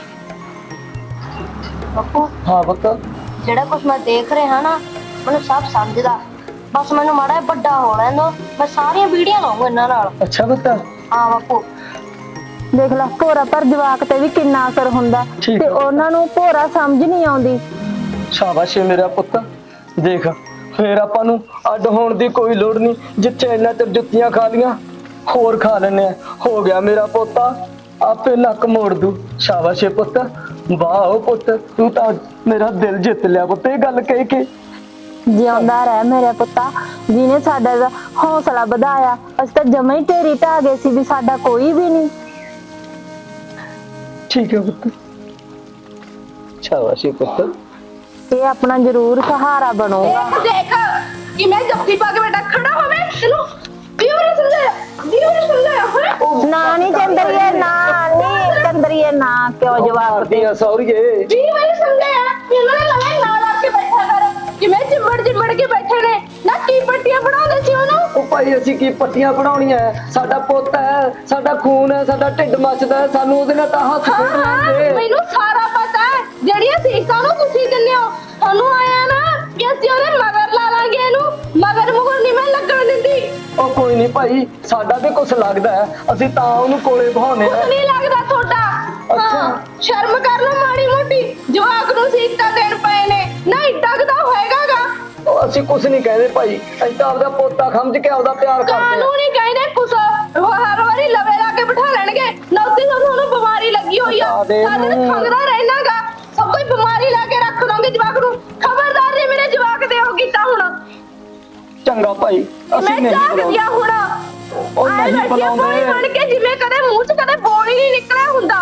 ਬੱਪੂ, ਹਾਂ ਪੁੱਤ, ਜਿਹੜਾ ਕੁਝ ਮੈਂ ਦੇਖ ਰਿਹਾ ਨਾ, ਮੈਨੂੰ ਸਭ ਸਮਝਦਾ। ਬਸ ਮੈਨੂੰ ਮਾੜਾ ਜਿਹਾ ਵੱਡਾ ਹੋ ਲੈਣ ਦੋ, ਮੈਂ ਸਾਰੀਆਂ ਵੀਡੀਓ ਲਾਉਂਗਾ ਇਹਨਾਂ ਨਾਲ। ਅੱਛਾ ਪੁੱਤ, ਹਾਂ ਬੱਪੂ, ਦੇਖ ਲੈ ਭੋਰਾ ਪਰ ਜਵਾਕ ਤੇ ਵੀ ਕਿੰਨਾ ਅਸਰ ਹੁੰਦਾ, ਠੀਕ ਤੇ ਆ। ਉਹਨਾਂ ਨੂੰ ਭੋਰਾ ਸਮਝ ਨਹੀਂ ਆਉਂਦੀ। ਸ਼ਾਬਾਸ਼ ਏ ਮੇਰਾ ਪੁੱਤ, ਦੇਖ ਫੇਰ ਆਪਾਂ ਨੂੰ ਅੱਡ ਹੋਣ ਦੀ ਕੋਈ ਲੋੜ ਨਹੀਂ, ਜਿੱਥੇ ਇੰਨਾ ਚਿਰ ਜੁੱਤੀਆਂ ਖਾ ਲੀਆਂ ਹੋਰ ਖਾ ਲੈਣੇ ਆ। ਹੋ ਗਿਆ ਮੇਰਾ ਪੋਤਾ, ਆਪੇ ਨੱਕ ਮੋੜ ਦੂ। ਸ਼ਾਬਾਸ਼ ਏ ਪੁੱਤ, ਵਾਹ ਓ ਪੁੱਤ, ਤੂੰ ਤਾਂ ਮੇਰਾ ਦਿਲ ਜਿੱਤ ਲਿਆ ਪੁੱਤ ਇਹ ਗੱਲ ਕਹਿ ਕੇ। ਜਿਉਂਦਾ ਰਹਿ ਮੇਰੇ ਪੁੱਤਾ, ਜਿਹਨੇ ਸਾਡਾ ਦਾ ਹੌਸਲਾ ਵਧਾਇਆ। ਅਸੀਂ ਤਾਂ ਜਮਾਂ ਹੀ ਢੇਰੀ ਢਾਹ ਗਏ ਸੀ ਵੀ ਸਾਡਾ ਕੋਈ ਵੀ ਨਹੀਂ। ਠੀਕ ਹੈ ਪੁੱਤ, ਸ਼ਾਬਾਸ਼ ਏ ਪੁੱਤ। ਇਹ ਆਪਣਾ ਜ਼ਰੂਰ ਸਹਾਰਾ ਬਣੂਗਾ। ਦੇਖ ਕਿ ਮੈਂ ਜੱਫੀ ਪਾ ਕੇ ਬੇਟਾ ਖੜਾ ਹੋਵੇ, ਤੈਨੂੰ ਵੀਹ ਵਾਰੀ ਸਮਝਾਇਆ, ਵੀਹ ਵਾਰੀ ਸਮਝਾਇਆ ਹੋਇਆ। ਨਾ ਨਹੀਂ ਚੰਦਰੀਏ, ਨਾ ਨਹੀਂ ਚੰਦਰੀਏ, ਨਾ ਕਿਉਂ ਜਵਾਬ ਦੇ? ਦੀਆਂ ਸੌਰੀਏ, ਵੀਹ ਵਾਰੀ ਸਮਝਾਇਆ ਕਿ ਇਹਨਾਂ ਨੇ ਲਵੇ ਨਾਲ ਆ ਕੇ ਬੈਠਾ ਕਰ, ਕਿਵੇਂ ਚਿੰਬੜ ਚਿੰਬੜ ਕੇ ਬੈਠੇ ਨੇ ਨਾ। ਕੀ ਪੱਟੀਆਂ ਬਣਾਉਂਦੇ ਸੀ ਉਹਨੂੰ? ਉਹ ਭਾਈ ਅਸੀਂ ਕੀ ਪੱਟੀਆਂ ਬਣਾਉਣੀਆਂ, ਸਾਡਾ ਪੁੱਤ ਹੈ, ਸਾਡਾ ਖੂਨ ਹੈ, ਸਾਡਾ ਢਿੱਡ ਮੱਚਦਾ ਹੈ, ਸਾਨੂੰ ਉਹਦੇ ਨਾਲ ਤਾਂ ਹੱਥ ਹਾਂ ਖੇਡ ਹਾਂ, ਲੈਂਦੇ। ਮੈਨੂੰ ਸਾਰਾ ਪਤਾ ਹੈ। ਜਿਹੜੀਆਂ ਸੀਸਾਂ ਨੂੰ ਤੁਸੀਂ ਦਿੰਦੇ ਹੋ, ਤੁਹਾਨੂੰ ਆਇਆ ਨਾ ਕਿ ਅਸੀਂ ਉਹਦੇ ਮਗਰ ਲਾ ਲਾਂਗੇ, ਇਹਨੂੰ ਮਗਰ ਮੁਗਰ ਨਹੀਂ ਮੈਂ ਲੱਗਣ ਦਿੰਦੀ। ਉਹ ਕੋਈ ਨਹੀਂ ਭਾਈ, ਸਾਡਾ ਵੀ ਕੁਛ ਲੱਗਦਾ ਹੈ, ਅਸੀਂ ਤਾਂ ਉਹਨੂੰ ਕੋਲੇ ਬਹਾਉਨੇ ਕੁਛ ਆ। ਨਹੀਂ ਲੱਗਦਾ ਤੁਹਾਡਾ। ਹਾਂ, ਸ਼ਰਮ ਕਰ ਲਓ ਮਾੜੀ ਮੋਟੀ, ਜਵਾਕ ਨੂੰ ਸੀਸਾਂ ਦੇਣ ਪਏ ਨੇ ਨਾ, ਏਡਾ ਕੁ ਤਾਂ ਹੋਏਗਾਗਾ। ਉਹ ਅਸੀਂ ਕੁਛ ਨਹੀਂ ਕਹਿੰਦੇ ਭਾਈ, ਅਸੀਂ ਤਾਂ ਆਪਦਾ ਪੋਤਾ ਸਮਝ ਕੇ ਆਪਦਾ ਪਿਆਰ ਕਰਦੇ ਕਾਨੂੰ ਆ। ਨਹੀਂ ਕਹਿੰਦੇ ਕੁਛ, ਉਹ ਹਰ ਵਾਰੀ ਲਵੇ ਲਾ ਕੇ ਬਿਠਾ ਲੈਣਗੇ। ਨੌਤੀ ਨੂੰ ਤੁਹਾਨੂੰ ਬਿਮਾਰੀ ਲੱਗੀ ਹੋਈ ਆ, ਬਤਾ ਦੇ ਸਾਰੇ ਦਿਨ ਨੂੰ। ਖੰਗਦਾ ਰਹਿਣਾਗਾ, ਸਭ ਕੋਈ ਬਿਮਾਰੀ ਲਾ ਕੇ ਰੱਖ ਦੋਗੇ ਜਵਾਕ ਨੂੰ। ਖਬਰਦਾਰ ਜੇ ਮੇਰੇ ਜਵਾਕ ਦੇ ਹੋ ਕੀਤਾ ਹੁਣ। ਚੰਗਾ ਭਾਈ, ਮੈਂ ਅਸੀਂ ਨਹੀਂ ਜਾਗ ਬੁਲਾਉਂਦੇ। ਗਿਆ ਹੁਣ। ਉਹ ਆਏ ਨਹੀਂ ਬੈਠੀ ਆ ਬੁਲਾਉਂਦੇ। ਪਾਣੀ ਬਣ ਕੇ, ਜਿਵੇਂ ਕਦੇ ਮੂੰਹ 'ਚ ਕਦੇ ਬੋਲ ਹੀ ਨਹੀਂ ਨਿਕਲਿਆ ਹੁੰਦਾ।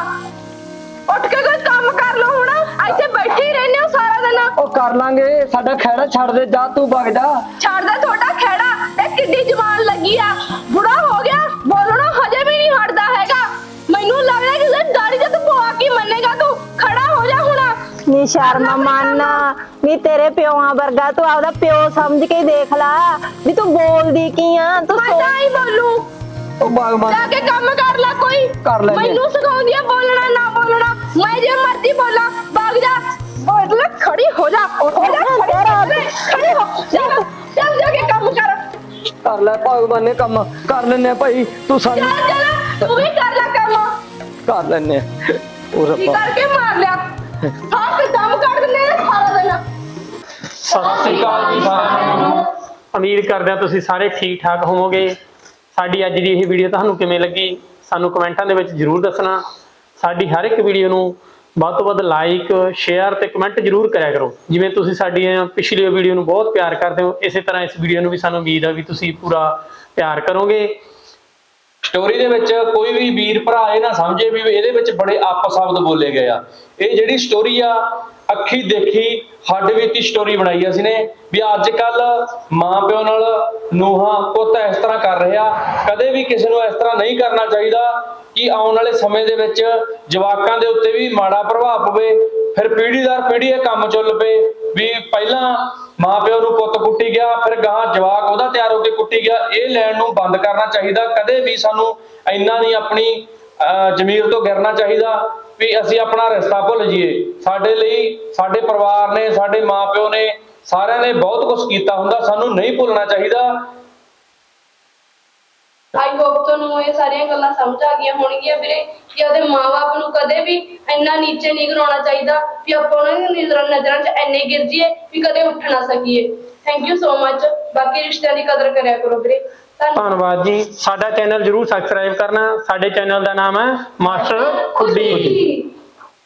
ਉੱਠ ਕੇ ਕੋਈ ਕੰਮ ਕਰ ਲਓ ਹੁਣ, ਇੱਥੇ ਬੈਠੇ ਹੀ ਰਹਿੰਦੇ ਹੋ ਸਾਰਾ ਦਿਨ। ਉਹ ਕਰ ਲਾਂਗੇ, ਸਾਡਾ ਖਹਿੜਾ ਛੱਡ ਦੇ, ਜਾ ਤੂੰ ਵਗ ਜਾ। ਛੱਡਦਾ ਤੁਹਾਡਾ ਖੇੜਾ, ਇਹ ਕਿੱਡੀ ਜਵਾਨ ਲੱਗੀ ਆ, ਬੁੜਾ ਹੋ ਗਿਆ, ਬੋਲਣਾ ਹਜੇ ਵੀ ਨਹੀਂ ਹਟਦਾ ਹੈਗਾ। ਮੈਨੂੰ ਲੱਗਦਾ ਕਿ ਜੇ ਦਾੜੀ ਤੇ ਤੂੰ ਪਵਾ ਕੇ ਮੰਨੇਗਾ, ਤੂੰ ਖੜਾ ਹੋ ਜਾ ਹੁਣ। ਨੀ ਸ਼ਰਮ ਮੰਨ, ਨੀ ਤੇਰੇ ਪਿਓਾਂ ਵਰਗਾ ਤੂੰ ਆਪਦਾ ਪਿਓ ਸਮਝ ਕੇ ਦੇਖ ਲੈ ਵੀ ਤੂੰ ਬੋਲਦੀ ਕੀ ਆ। ਤੂੰ ਮੈਂ ਤਾਂ ਹੀ ਬੋਲੂ, ਉਹ ਬਾਗਮਾਨ ਜਾ ਕੇ ਕੰਮ ਕਰ ਲੈ ਕੋਈ। ਕਰ ਲੈਂਦੇ। ਮੈਨੂੰ ਸਿਖਾਉਂਦੀ ਆ ਬੋਲਣਾ ਨਾ ਬੋਲਣਾ, ਮੈਂ ਜੇ ਮਰਜ਼ੀ ਬੋਲਾਂ। ਭਾਗ ਜਾ, ਬੋਲ ਲੈ, ਖੜੀ ਹੋ ਜਾ, ਹੋ ਜਾ, ਖੜੀ ਹੋ ਜਾ, ਖੜੀ ਹੋ ਜਾ, ਚੱਲ ਜਾ ਕੇ ਕੰਮ ਕਰ। ਕਰ ਲੈ ਭਗਵਾਨ ਨੇ ਕੰਮ ਕਰ ਲੈਨੇ ਆ ਭਾਈ, ਤੂੰ ਸਾਨੂੰ ਚੱਲ ਚੱਲ, ਤੂੰ ਵੀ ਕਰ ਲੈ ਕੰਮ। ਕਰ ਲੈਨੇ ਆ। ਉਹ ਕੀ ਰੱਬਾ, ਕਰਕੇ ਮਾਰ ਲਿਆ, ਹੱਥ ਦਮ ਕੱਢ ਦਿੰਦੇ ਨੇ ਸਾਰਾ ਦਿਨ। ਸਤਿ ਸ੍ਰੀ ਅਕਾਲ ਜੀ ਸਾਰਿਆਂ ਨੂੰ। ਉਮੀਦ ਕਰਦੇ ਹਾਂ ਤੁਸੀਂ ਸਾਰੇ ਠੀਕ ਠਾਕ ਹੋਵੋਗੇ। ਸਾਡੀ ਅੱਜ ਦੀ ਇਹ ਵੀਡੀਓ ਤੁਹਾਨੂੰ ਕਿਵੇਂ ਲੱਗੀ, ਸਾਨੂੰ ਕਮੈਂਟਾਂ ਦੇ ਵਿੱਚ ਜ਼ਰੂਰ ਦੱਸਣਾ। ਸਾਡੀ ਹਰ ਇੱਕ ਵੀਡੀਓ ਨੂੰ ਵੱਧ ਤੋਂ ਵੱਧ ਲਾਈਕ, ਸ਼ੇਅਰ ਤੇ ਕਮੈਂਟ ਜ਼ਰੂਰ ਕਰਿਆ ਕਰੋ। ਜਿਵੇਂ ਤੁਸੀਂ ਸਾਡੀ ਪਿਛਲੀ ਵੀਡੀਓ ਨੂੰ ਬਹੁਤ ਪਿਆਰ ਕਰਦੇ ਹੋ, ਇਸੇ ਤਰ੍ਹਾਂ ਇਸ ਵੀਡੀਓ ਨੂੰ ਵੀ ਸਾਨੂੰ ਉਮੀਦ ਆ ਵੀ ਤੁਸੀਂ ਪੂਰਾ ਪਿਆਰ ਕਰੋਗੇ। ਸਟੋਰੀ ਦੇ ਵਿੱਚ ਕੋਈ ਵੀ ਵੀਰ ਭਰਾ ਇਹ ਨਾ ਸਮਝੇ ਵੀ ਇਹਦੇ ਵਿੱਚ ਬੜੇ ਅੱਪ ਸ਼ਬਦ ਬੋਲੇ ਗਏ ਆ। ਇਹ ਜਿਹੜੀ ਸਟੋਰੀ ਆ, ਅੱਖੀ ਦੇਖੀ ਹੱਡ ਬੀਤੀ ਸਟੋਰੀ ਬਣਾਈ ਅਸੀਂ ਨੇ ਵੀ ਅੱਜ ਕੱਲ ਮਾਂ ਪਿਓ ਨਾਲ ਨੂੰਹਾਂ ਪੁੱਤ ਇਸ ਤਰ੍ਹਾਂ ਕਰ ਰਿਹਾ, ਕਦੇ ਵੀ ਕਿਸੇ ਨੂੰ ਇਸ ਤਰ੍ਹਾਂ ਨਹੀਂ ਕਰਨਾ ਚਾਹੀਦਾ ਕਿ ਆਉਣ ਵਾਲੇ ਸਮੇਂ ਦੇ ਵਿੱਚ ਜਵਾਕਾਂ ਦੇ ਉੱਤੇ ਵੀ ਮਾੜਾ ਪ੍ਰਭਾਵ ਪਵੇ, ਫਿਰ ਪੀੜ੍ਹੀ ਦਰ ਪੀੜ੍ਹੀ ਇਹ ਕੰਮ ਚੱਲ ਪਏ। ਵੀ ਪਹਿਲਾਂ ਮਾਪਿਓ ਨੂੰ ਪੁੱਤ ਕੁੱਟੀ ਗਿਆ, ਫਿਰ ਗਾਹਾਂ ਜਵਾਕ ਉਹਦਾ ਤਿਆਰ ਹੋ ਕੇ ਕੁੱਟੀ ਗਿਆ। ਇਹ ਲੈਣ ਨੂੰ ਬੰਦ ਕਰਨਾ ਚਾਹੀਦਾ। ਕਦੇ ਵੀ ਸਾਨੂੰ ਇੰਨਾ ਨਹੀਂ ਆਪਣੀ ਅਹ ਜ਼ਮੀਰ ਤੋਂ ਗਿਰਨਾ ਚਾਹੀਦਾ ਵੀ ਅਸੀਂ ਆਪਣਾ ਰਿਸ਼ਤਾ ਭੁੱਲ ਜਾਈਏ। ਸਾਡੇ ਲਈ ਸਾਡੇ ਪਰਿਵਾਰ ਨੇ, ਸਾਡੇ ਮਾਪਿਓ ਨੇ, ਸਾਰਿਆਂ ਨੇ ਬਹੁਤ ਕੁਝ ਕੀਤਾ ਹੁੰਦਾ, ਸਾਨੂੰ ਨਹੀਂ ਭੁੱਲਣਾ ਚਾਹੀਦਾ। ਆਈ ਹੋਪ ਤੁਹਾਨੂੰ ਇਹ ਸਾਰੀਆਂ ਗੱਲਾਂ ਸਮਝ ਆ ਗਈਆਂ ਹੋਣਗੀਆਂ ਵੀਰੇ ਕਿ ਉਹਦੇ ਮਾਪੇ ਨੂੰ ਕਦੇ ਵੀ ਇੰਨਾ ਨੀਚੇ ਨਹੀਂ ਗਿਰਾਉਣਾ ਚਾਹੀਦਾ ਵੀ ਆਪਾਂ ਉਹਨਾਂ ਦੀ ਨਜ਼ਰਾਂ ਨਜ਼ਰਾਂ 'ਚ ਇੰਨੇ ਗਿਰ ਜਾਈਏ ਵੀ ਕਦੇ ਉੱਠ ਨਾ ਸਕੀਏ। Thank you so much. ਬਾਕੀ ਰਿਸ਼ਤਿਆਂ ਦੀ ਕਦਰ ਕਰਿਆ ਕਰੋ ਵੀਰੇ। ਧੰਨਵਾਦ। ਧੰਨਵਾਦ ਜੀ। ਸਾਡਾ ਚੈਨਲ ਜਰੂਰ ਸਬਸਕ੍ਰਾਈਬ ਕਰਨਾ। ਸਾਡੇ ਚੈਨਲ ਦਾ ਨਾਮ ਹੈ ਮਾਸਟਰ ਖੁੱਡੀ।